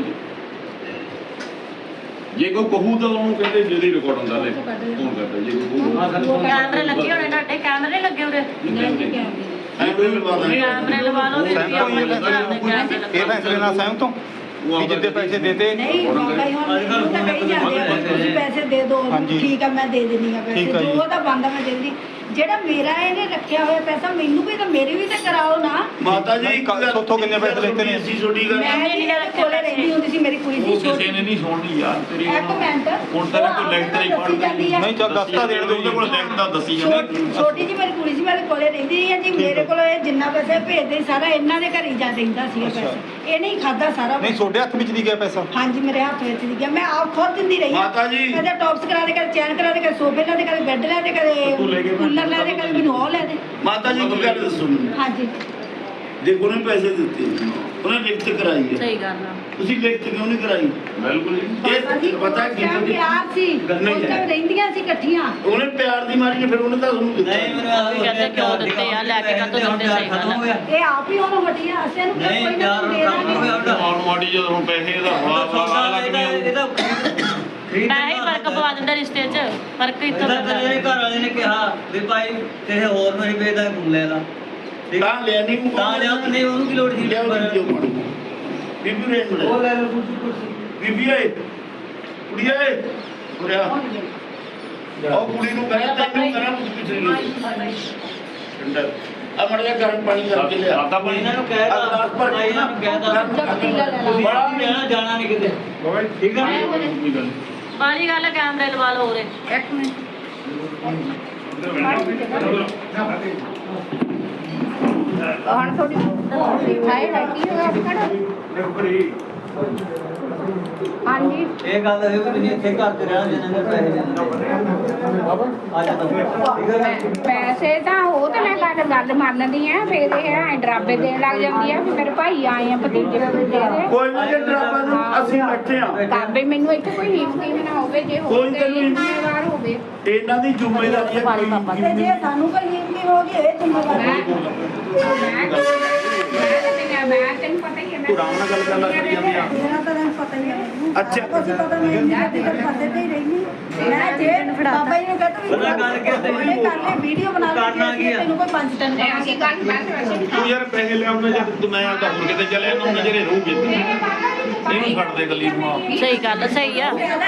[SPEAKER 7] ਜੇ ਕੋਈ ਕਹੂ ਤਾਂ ਉਹਨੂੰ ਕਹਿੰਦੇ ਜਿਹੜੀ ਰਿਕਾਰਡ ਹੁੰਦਾ ਲੈ ਫੋਨ ਕਰਦਾ ਜੇ ਕੋਈ ਕਹੂ
[SPEAKER 5] ਕੈਮਰੇ ਲੱਗੇ ਹੋਣੇ ਤੁਹਾਡੇ, ਕੈਮਰੇ ਲੱਗੇ ਉਰੇ
[SPEAKER 3] ਐਂ ਕੋਈ ਲਵਾ ਦਾਂਗੇ।
[SPEAKER 5] ਕੈਮਰੇ ਲਵਾ ਲਓ
[SPEAKER 4] ਸਹਿਮਤ ਹੋ ਜੀ ਇਹ ਫੈਸਲੇ ਨਾਲ ਸਹਿਮਤ ਹੋ ਵੀ ਜਿੱਦੇ ਪੈਸੇ ਦੇਤੇ
[SPEAKER 1] ਨਹੀਂ ਬਾਬਾ ਜੀ ਹੁਣ ਮੈਨੂੰ ਤਾਂ ਕਹੀ ਜਾਂਦੇ ਆ ਤੁਸੀਂ ਪੈਸੇ ਦੇ ਦਿਓ,
[SPEAKER 4] ਹਾਂਜੀ।
[SPEAKER 1] ਠੀਕ ਆ ਮੈਂ ਦੇ ਦਿੰਦੀ ਆ ਪੈਸੇ,
[SPEAKER 4] ਠੀਕ ਆ ਜੀ।
[SPEAKER 1] ਜੋ ਉਹਦਾ ਬੰਦਾ ਮੈਂ ਦੇ ਦਿੰਦੀ। ਜਿਹੜਾ ਮੇਰਾ ਇਹਨੇ ਰੱਖਿਆ ਹੋਇਆ ਪੈਸਾ ਮੈਨੂੰ ਵੀ ਤਾਂ ਮੇਰੇ ਵੀ ਤਾਂ ਕਰਾਓ ਨਾ।
[SPEAKER 3] ਮਾਤਾ ਜੀ
[SPEAKER 4] ਨਹੀਂ,
[SPEAKER 3] ਇੱਕ ਗੱਲ-
[SPEAKER 4] ਉੱਥੋਂ ਕਿੰਨੇ ਪੈਸੇ ਲੈਤੇ ਨੇ?
[SPEAKER 3] ਅਸੀਂ ਛੋਟੀ ਗੱਲ
[SPEAKER 1] ਮੈਂ ਨਹੀਂ ਇਹਦੇ ਕੋਲੇ ਰਹਿੰਦੀ ਹੁੰਦੀ ਸੀ, ਮੇਰੀ ਕੁੜੀ ਸੀ
[SPEAKER 7] ਉਹ ਕਿਸੇ
[SPEAKER 1] ਛੋਟੀ।
[SPEAKER 7] ਨੇ ਨਹੀਂ ਸੁਣਨੀ ਯਾਰ ਤੇਰੀ
[SPEAKER 1] ਇੱਕ ਮਿੰਟ
[SPEAKER 7] ਹੁਣ ਤਾਂ ਕੋਈ ਲਿਖਤ ਨਹੀਂ
[SPEAKER 1] ਦੱਸੀ ਜਾਂਦੀ ਆ।
[SPEAKER 4] ਨਹੀਂ ਚੱਲ ਦੱਸਤਾ ਦੇਣ ਦਿਓ
[SPEAKER 7] ਉਹਦੇ ਕੋਲ ਲਿਖਤ ਤਾਂ ਦੱਸੀ
[SPEAKER 1] ਛੋਟੀ
[SPEAKER 7] ਜਾਂਦੇ
[SPEAKER 1] ਛੋਟੀ ਜੀ ਮੇਰੀ ਕੁੜੀ ਸੀ, ਮੇਰੇ ਕੋਲੇ ਰਹਿੰਦੀ ਹੈ ਜੀ। ਮੇਰੇ ਕੋਲ ਇਹ ਜਿੰਨਾ ਪੈਸੇ ਭੇਜਦੇ ਸੀ ਸਾਰਾ ਇਹਨਾਂ ਦੇ ਘਰ ਹੀ ਜਾ ਦਿੰਦਾ ਸੀ
[SPEAKER 4] ਅੱਛਾ।
[SPEAKER 1] ਪੈਸੇ। ਇਹਨੇ ਹੀ ਖਾਦਾ ਸਾਰਾ
[SPEAKER 4] ਨਹੀਂ ਤੁਹਾਡੇ ਹੱਥ ਵਿੱਚ ਦੀ ਗਿਆ ਪੈਸਾ?
[SPEAKER 1] ਹਾਂਜੀ ਮੇਰੇ ਹੱਥ ਵਿੱਚ ਦੀ ਗਿਆ, ਮੈਂ ਆਪ ਖੁਦ ਦਿੰਦੀ ਰਹੀ ਹਾਂ।
[SPEAKER 3] ਮਾਤਾ ਜੀ।
[SPEAKER 1] ਕਦੇ ਟੌਪਸ ਕਰਾ ਦੇ, ਕਦੇ ਚੈਨ ਕਰਾ ਦੇ, ਕਦੇ ਸੋਫੇ ਲੈ ਦੇ, ਕਦੇ ਬੈੱਡ ਲੈ ਦੇ, ਕਦੇ ਕੂਲਰ ਲੈ ਦੇ, ਕਦੇ ਮੈਨੂੰ ਉਹ ਲੈ ਦੇ।
[SPEAKER 3] ਮਾਤਾ ਜੀ ਇੱਕ ਗੱਲ ਦੱਸੋ ਮੈਨੂੰ।
[SPEAKER 1] ਹਾਂਜੀ
[SPEAKER 3] ਦੇਖੋ ਉਹਨੇ ਪੈਸੇ ਦਿੱਤੇ, ਉਹਨੇ ਲਿਖਤ ਕਰਾਈ ਹੈ,
[SPEAKER 5] ਸਹੀ ਗੱਲ ਆ।
[SPEAKER 3] ਤੁਸੀਂ ਲਿਖਤ ਕਿਉਂ ਨਹੀਂ ਕਰਾਈ?
[SPEAKER 7] ਬਿਲਕੁਲ ਜੀ
[SPEAKER 1] ਬਾਬਾ ਜੀ
[SPEAKER 3] ਇਹ ਪਤਾ
[SPEAKER 1] ਉਸ
[SPEAKER 3] ਕੀ
[SPEAKER 1] time ਪਿਆਰ ਸੀ,
[SPEAKER 3] ਗੱਲ ਨਹੀਂ
[SPEAKER 1] ਉਸ time
[SPEAKER 3] ਹੈ।
[SPEAKER 1] ਰਹਿੰਦੀਆਂ ਸੀ ਇਕੱਠੀਆਂ।
[SPEAKER 3] ਉਹਨੇ ਪਿਆਰ ਦੀ ਮਾਰੀ ਨੇ ਫਿਰ ਉਹਨੇ ਤਾਂ ਤੁਹਾਨੂੰ ਦਿੱਤਾ।
[SPEAKER 2] ਨਹੀਂ ਮੈਨੂੰ ਆਹ
[SPEAKER 5] ਕਹਿੰਦੇ ਕਿਉਂ ਦਿੱਤੇ ਆ, ਲੈ ਕੇ ਕਾਹਤੋਂ ਦਿੰਦੇ, ਸਹੀ ਗੱਲ ਆ।
[SPEAKER 2] ਹੋ ਗਿਆ
[SPEAKER 1] ਇਹ ਆਪ ਹੀ ਉਹਨੂੰ ਹਟੀਆਂ, ਅਸੀਂ ਇਹਨੂੰ ਕਿਹਾ
[SPEAKER 2] ਨਹੀਂ
[SPEAKER 1] ਕੋਈ ਨਾ
[SPEAKER 2] ਯਾਰ
[SPEAKER 1] ਤੂੰ ਦੇ
[SPEAKER 2] ਕੰਮ ਹੋ
[SPEAKER 1] ਦਾਂਗੇ।
[SPEAKER 2] ਗਿਆ ਉਹਦਾ
[SPEAKER 7] ਆਉਣ ਵਾਲੀ ਜਦੋਂ ਹੁਣ ਪੈਸੇ ਦਾ ਬੜਾ ਬੜਾ ਲੱਗ
[SPEAKER 2] ਇਹਦਾ
[SPEAKER 7] ਗਿਆ
[SPEAKER 2] ਇਹਦਾ
[SPEAKER 5] ਪੈਸੇ ਹੀ ਫਰਕ ਪਵਾ ਦਿੰਦਾ ਰਿਸ਼ਤੇ 'ਚ, ਫਰਕ ਇੱਥੋਂ
[SPEAKER 2] ਇਹਦਾ
[SPEAKER 5] ਪੈਂਦਾ।
[SPEAKER 2] ਤੇਰੇ ਘਰ ਵਾਲੇ ਨੇ ਕਿਹਾ ਵੀ ਭਾਈ ਕਿਸੇ ਹੋਰ ਨੂੰ ਵੇਚਦਾ ਤੂੰ ਲੈ ਲਾ ਠੀਕ ਆ?
[SPEAKER 3] ਤਾਂ ਲਿਆ ਨਹੀਂ ਉਹ
[SPEAKER 2] ਤਾਂ ਲਿਆ ਨਹੀਂ ਉਹਨੂੰ ਕੀ ਲੋੜ ਸੀ
[SPEAKER 3] ਲਿਆ ਉਹ ਕਿਉਂ ਮਾਰੂ? ਬੀਬੀ ਰੇਨ
[SPEAKER 2] ਉਹ
[SPEAKER 3] ਬੜੇ
[SPEAKER 2] ਲੈ ਲਓ ਕੁਰਸੀ ਕੁਰਸੀ
[SPEAKER 3] ਬੀਬੀ ਏ ਕੁੜੀ ਏ ਉਰਿਆ ਉਹ ਕੁੜੀ ਨੂੰ ਕਹਿ ਤੈਨੂੰ ਕਰਾਂ ਕੁਝ ਪਿਛਲੇ ਨੂੰ ਠੰਡਾ ਆ ਮੜ ਜਾ ਗਰਮ ਪਾਣੀ ਕਰਕੇ ਲਿਆ
[SPEAKER 7] ਸਾਦਾ ਪਾਣੀ
[SPEAKER 2] ਇਹਨਾਂ ਨੂੰ ਕਹਿ
[SPEAKER 3] ਆ ਗਲਾਸ ਭਰ
[SPEAKER 2] ਤਾ
[SPEAKER 3] ਕੇ
[SPEAKER 2] ਇਹਨਾਂ ਨੂੰ ਕਹਿ ਤਾ
[SPEAKER 1] ਪਤੀਲਾ ਲੈ ਲਾ।
[SPEAKER 2] ਤੁਸੀਂ ਕਹਿਣਾ ਜਾਣਾ ਨਹੀਂ ਕਿਤੇ ਠੀਕ ਆ
[SPEAKER 7] ਕੋਈ ਗੱਲ
[SPEAKER 5] ਬਾਲੀ ਗੱਲ ਆ, ਕੈਮਰੇ ਲਵਾ ਲਓ ਉਰੇ।
[SPEAKER 6] ਇੱਕ ਮਿੰਟ ਹੁਣ ਥੋੜੀ ਹਾਈ ਰੱਖੀ ਹੋਇਆ ਖੜਾ ਹਾਂਜੀ
[SPEAKER 2] ਇਹ ਗੱਲ ਹੈ ਵੀ ਤੁਸੀਂ ਇੱਥੇ ਘਰ ਤੇ ਰਹਿਣਾ ਜਿੰਨਾਂ ਨੇ ਪੈਸੇ ਦੇਣੇ ਆ ਜਾ ਤੂੰ ਠੀਕ ਹੈ ਨਾ?
[SPEAKER 6] ਪੈਸੇ ਤਾਂ ਉਹ ਤੇ ਮੈਂ ਗੱਲ ਗੱਲ ਮੰਨਦੀ ਆ, ਫਿਰ ਇਹ ਐ ਡਰਾਬੇ ਦੇਣ ਲੱਗ ਜਾਂਦੀ ਆ ਵੀ ਮੇਰੇ ਭਾਈ ਆਏ ਆ ਭਤੀਜੇ ਦੇ ਦੇ
[SPEAKER 3] ਕੋਈ ਨਹੀਂ ਜੇ ਡਰਾਮਾ ਨੂੰ ਅਸੀਂ ਬੈਠੇ ਆ
[SPEAKER 6] ਤਾਂ ਵੀ ਮੈਨੂੰ ਇੱਥੇ ਕੋਈ ਹਿੰਮਤੀ ਨਾ ਹੋਵੇ, ਜੇ
[SPEAKER 3] ਕੋਈ
[SPEAKER 6] ਹੋਵੇ
[SPEAKER 3] ਤੈਨੂੰ
[SPEAKER 6] ਜ਼ਿੰਮੇਵਾਰ ਹੋਵੇ।
[SPEAKER 3] ਇਹਨਾਂ ਦੀ ਜ਼ਿੰਮੇਵਾਰੀ ਹੈ ਕੋਈ
[SPEAKER 1] ਤੇ ਜੇ ਸਾਨੂੰ ਕੋਈ ਹਿੰਮਤੀ ਹੋ ਗਈ ਇਹ ਜ਼ਿੰਮੇਵਾਰੀ
[SPEAKER 6] ਮੈਂ ਮੈਂ ਮੈਂ ਮੈਂ ਤੈਨੂੰ ਪਤਾ ਹੀ ਹੈ ਮੈਂ
[SPEAKER 3] ਤੂੰ ਆਰਾਮ ਨਾਲ ਗੱਲ ਕਰ ਲੈ ਕਰੀ ਜਾਂਦੀ ਆ।
[SPEAKER 1] ਮੇਰਾ ਤਾਂ ਤੈਨੂੰ ਪਤਾ ਹੀ ਹੈ ਮੈਨੂੰ।
[SPEAKER 3] ਅੱਛਾ।
[SPEAKER 1] ਕੁਛ ਪਤਾ ਨਹੀਂ ਮੈਂ ਤੇ ਪਤਾ ਤੇ ਹੀ ਰਹਿਣੀ। ਮੈਂ ਜੇ ਬਾਬਾ ਜੀ ਨੂੰ ਕਹਤਾ ਵੀ
[SPEAKER 2] ਪਤਾ ਗੱਲ ਕੀ ਹੈ ਤੈਨੂੰ?
[SPEAKER 1] ਉਹਨੇ ਕਰ ਲਈ ਵੀਡੀਓ ਬਣਾ ਲਈ
[SPEAKER 2] ਕਰਨਾ ਕੀ ਆ?
[SPEAKER 1] ਤੈਨੂੰ ਕੋਈ ਪੰਜ ਟਨ
[SPEAKER 6] ਨਹੀਂ ਅਸੀਂ ਗੱਲ ਮੈਂ ਤੇ ਵੈਸੇ ਵੀ
[SPEAKER 7] ਤੂੰ ਯਾਰ ਪੈਸੇ ਲਿਆਉਣੇ ਜਦ ਤੂੰ ਮੈਂ ਤਾਂ ਹੁਣ ਕਿਤੇ ਚੱਲਿਆ ਨਾ ਉਹਨਾਂ ਜਿਹੜੇ ਰਹੂਗੇ ਇਹਨੂੰ ਛੱਡ ਦੇ ਗੱਲੀ ਨੂੰ ਆਪ
[SPEAKER 5] ਸਹੀ ਗੱਲ, ਸਹੀ ਆ।
[SPEAKER 7] ਮੈਂ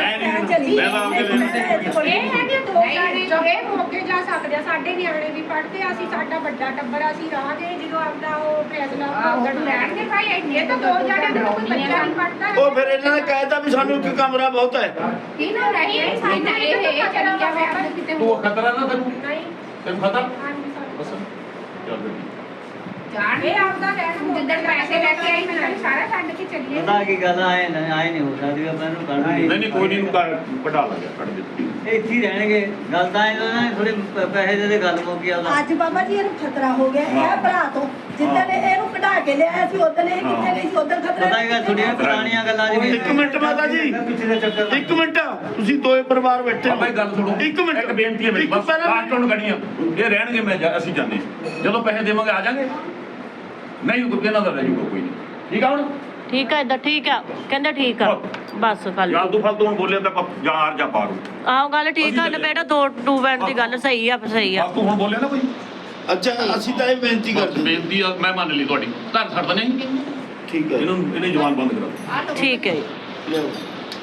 [SPEAKER 7] ਤਾਂ ਆਪਦੇ
[SPEAKER 6] ਇਹ ਹੈ ਕਿ ਦੋ ਜਾਣੇ ਜੋ ਇਹ ਮੌਕੇ ਜਾ ਸਕਦੇ ਆ, ਸਾਡੇ ਨਿਆਣੇ ਵੀ ਪੜ੍ਹਦੇ ਆ, ਅਸੀਂ ਸਾਡਾ ਵੱਡਾ ਟੱਬਰ ਅਸੀਂ ਰਾਂਗੇ ਜਦੋਂ ਆਪਦਾ ਉਹ ਫੈਸਲਾ ਉਧਰ ਲੈਣਗੇ ਭਾਈ ਇਹ ਤਾਂ ਦੋ ਜਾਣੇ ਦਾ ਕੋਈ ਬੱਚਾ ਨਹੀਂ ਪੜ੍ਹਦਾ।
[SPEAKER 3] ਉਹ ਫਿਰ ਇਹਨਾਂ ਨੇ ਕਹਿਤਾ ਵੀ ਸਾਨੂੰ ਇੱਕ ਕਮਰਾ ਬਹੁਤ ਹੈ।
[SPEAKER 6] ਕਿਹਨੂੰ ਨਹੀਂ ਸਾਡਾ ਇਹ ਇਹ ਚੱਲੀ ਜਾਵੇ ਆਪਦਾ ਕਿਤੇ
[SPEAKER 7] ਤੂੰ
[SPEAKER 6] ਹੋਰ
[SPEAKER 7] ਖਤਰਾ ਨਾ ਤੈਨੂੰ
[SPEAKER 6] ਨਹੀਂ
[SPEAKER 7] ਤੈਨੂੰ ਖਤਰਾ
[SPEAKER 6] ਹਾਂਜੀ ਸਰ
[SPEAKER 7] ਬਸ ਚੱਲ ਬੇਟੀ
[SPEAKER 6] ਜਾਣ ਇਹ ਆਪਦਾ ਲੈਣ ਜਿੱਦਣ ਪੈਸੇ ਲੈ ਕੇ ਆਈ ਮੈਂ ਸਾਰਾ ਛੱਡ ਕੇ ਚੱਲੀਏ
[SPEAKER 2] ਪਤਾ ਕੀ ਗੱਲ ਆਏ ਨਾ ਆਏ ਨਹੀਂ ਹੋ ਸਕਦੀ ਆਪਾਂ ਇਹਨੂੰ ਕਰਨਾ
[SPEAKER 7] ਨਹੀਂ ਨਹੀਂ ਕੋਈ ਨਹੀਂ ਨੂੰ ਕਢਾ ਲਾਂਗੇ ਕੱਢ ਦੇ
[SPEAKER 2] ਇਹ ਇੱਥੇ ਹੀ ਰਹਿਣਗੇ ਗੱਲ ਤਾਂ ਇਹਨਾਂ ਨੇ ਥੋੜੇ ਪੈਸੇ ਦੇ ਦੇ ਗੱਲ ਮੁੱਕੀ ਆਉਂਦਾ
[SPEAKER 1] ਅੱਜ ਬਾਬਾ ਜੀ ਇਹਨੂੰ ਖਤਰਾ ਹੋ ਗਿਆ ਇਹ ਭਰਾ ਤੋਂ ਜਿੱਦਾਂ ਨੇ ਇਹਨੂੰ ਕਢਾ ਕੇ ਲਿਆਇਆ ਸੀ ਉਦੋਂ ਇਹ ਕਿੱਥੇ ਗਈ ਸੀ ਉਦੋਂ ਖਤਰਾ
[SPEAKER 2] ਪਤਾ ਹੀ ਗੱਲ ਥੋੜੀਆਂ ਪੁਰਾਣੀਆਂ ਗੱਲਾਂ ਜਿਵੇਂ
[SPEAKER 3] ਇੱਕ ਮਿੰਟ ਮਾਤਾ ਜੀ
[SPEAKER 2] ਪਿੱਛੇ ਦੇ ਚੱਕਰ
[SPEAKER 3] ਇੱਕ ਮਿੰਟ ਤੁਸੀਂ ਦੋਏ ਪਰਿਵਾਰ ਬੈਠੇ ਹੋ
[SPEAKER 7] ਭਾਈ ਗੱਲ ਸੁਣੋ
[SPEAKER 3] ਇੱਕ ਮਿੰਟ
[SPEAKER 7] ਇੱਕ ਬੇਨਤੀ ਹੈ ਮੇਰੀ
[SPEAKER 3] ਇੱਕ
[SPEAKER 7] ਬਸ
[SPEAKER 3] ਪਹਿਲਾਂ
[SPEAKER 7] ਲਾਸਟ ਹੁਣ ਗੜੀਆਂ ਇਹ ਰਹਿਣਗੇ ਮੈਂ ਜਾ- ਅਸੀਂ ਜਾਂਦੇ ਹਾਂ। ਜਦੋਂ ਪੈਸੇ ਦੇਵਾਂਗੇ ਆ ਜਾਾਂਗੇ ਨਹੀਂ ਕੋਈ ਇਹਨਾਂ ਦਾ ਰਹਿ ਜੂਗਾ ਕੋਈ ਨਹੀਂ ਠੀਕ ਆ ਹੁਣ
[SPEAKER 5] ਠੀਕ ਆ, ਏਦਾਂ ਠੀਕ ਆ, ਕਹਿੰਦੇ ਠੀਕ ਆ। ਬਸ ਗੱਲ
[SPEAKER 7] ਯਾਰ ਤੂੰ ਫਾਲਤੂ ਹੁਣ ਬੋਲਿਆ ਤਾਂ ਆਪਾਂ ਜਾਂ ਹਾਰ ਜਾਂ ਪਾਰੂ
[SPEAKER 5] ਆਹੋ ਗੱਲ ਠੀਕ ਆ ਨਾ ਬੇਟਾ, ਦੋ ਟੂ ਬੈਂਡ ਦੀ ਗੱਲ ਸਹੀ ਆ, ਸਹੀ ਆ।
[SPEAKER 7] ਬਸ ਤੂੰ ਹੁਣ ਬੋਲਿਆ ਨਾ ਕੋਈ
[SPEAKER 3] ਅੱਛਾ ਅਸੀਂ ਤਾਂ ਇਹ ਬੇਨਤੀ
[SPEAKER 7] ਬਸ
[SPEAKER 3] ਕਰਦੇ
[SPEAKER 7] ਬੇਨਤੀ ਆ, ਮੈਂ ਮੰਨ ਲਈ ਤੁਹਾਡੀ ਧਰ ਛੱਡ ਦਨੇ
[SPEAKER 3] ਠੀਕ ਹੈ
[SPEAKER 7] ਇਹਨੂੰ ਇਹਨੇ ਜਵਾਨ ਬੰਦ ਕਰਾ
[SPEAKER 5] ਠੀਕ ਹੈ ਜੀ।
[SPEAKER 3] ਲਿਆਓ।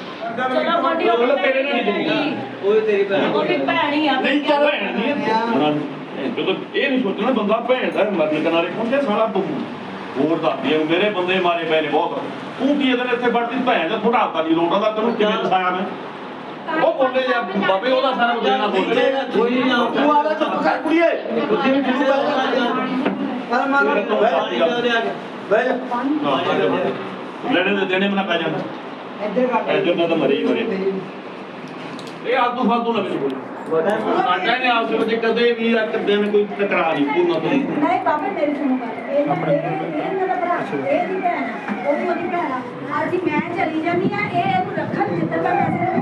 [SPEAKER 5] ਚਲੋ ਗੋਡੀ ਉਹ ਵੀ
[SPEAKER 7] ਤੇਰੇ ਨਾਲ ਨਹੀਂ ਦੇਣੀ।
[SPEAKER 2] ਉਹ ਤੇਰੀ ਭੈਣ
[SPEAKER 5] ਉਹ ਵੀ ਭੈਣ ਹੀ ਆ।
[SPEAKER 3] ਨਹੀਂ ਚੱਲ
[SPEAKER 7] ਭੈਣ ਨਹੀਂ ਹੈ। ਜਦੋਂ ਇਹ ਨਹੀਂ ਸੋਚਣਾ ਬੰਦਾ ਭੈਣ ਦਾ ਮਰਨ ਕਿਨਾਰੇ ਪਹੁੰਚੇ ਸਾਲਾ ਬੰਮੂ ਹੋਰ ਦੱਸਦੀ ਆ ਮੇਰੇ ਬੰਦੇ ਮਾਰੇ ਪਏ ਨੇ ਬਹੁਤ ਤੂੰ ਕੀ ਇਹਦੇ ਇੱਥੇ ਵੜਦੀ ਭੈਣ ਦਾ ਫੁਟਾਤਾ ਨਹੀਂ ਲੋਟਾ ਦਾ ਤੈਨੂੰ ਕਿਵੇਂ ਦਸਾਇਆ ਮੈਂ ਉਹ ਬੋਲੇ ਜਾਂ ਬਾਬੇ ਉਹਦਾ ਸਾਰਾ ਕੁਝ ਦੇਣਾ ਬੋਲੇ
[SPEAKER 2] ਕੋਈ ਨਹੀਂ ਆਉ
[SPEAKER 3] ਤੂੰ ਆ ਲੈ ਚੁੱਪ ਕਰ ਕੁੜੀਏ
[SPEAKER 2] ਤੁਸੀਂ ਵੀ ਠੀਕ ਕਰ ਪਰ ਮਾਰ ਪਾਣੀ ਦੇ ਦੇ ਆ ਕੇ
[SPEAKER 3] ਬਹਿ ਜਾ
[SPEAKER 7] ਲੈਣੇ ਦੇ ਦੇਣੇ ਮਨਾ ਪੈ ਜਾਂਦਾ ਇੱਧਰ ਨਾ ਤਾਂ ਮਰੀ ਮਰੇ ਇਹ ਆਦੂ ਫਾਲਤੂ ਨਾ ਮੈਨੂੰ ਬੋਲੇ ਆਟਾ ਨੇ ਆਪਸ ਵਿੱਚ ਕਦੇ ਵੀ ਇੱਕ ਦਿਨ ਕੋਈ ਟਕਰਾ ਨਹੀਂ ਪੂਰਨਾ ਤੋਂ
[SPEAKER 1] ਨਹੀਂ ਬਾਬਾ ਮੇਰੀ ਸੁਣੋ ਗੱਲ ਇਹ ਇਹ ਇਹਨਾਂ ਦਾ ਭਰਾ ਇਹ ਦੀ ਭੈਣ ਆ, ਉਹ ਵੀ ਅਸੀਂ ਮੈਂ ਚਲੀ ਜਾਂਦੀ ਆ ਇਹ ਇਹਨੂੰ ਰੱਖਣ ਜਿੱਦਾਂ ਦਾ ਮੈਸੇਜ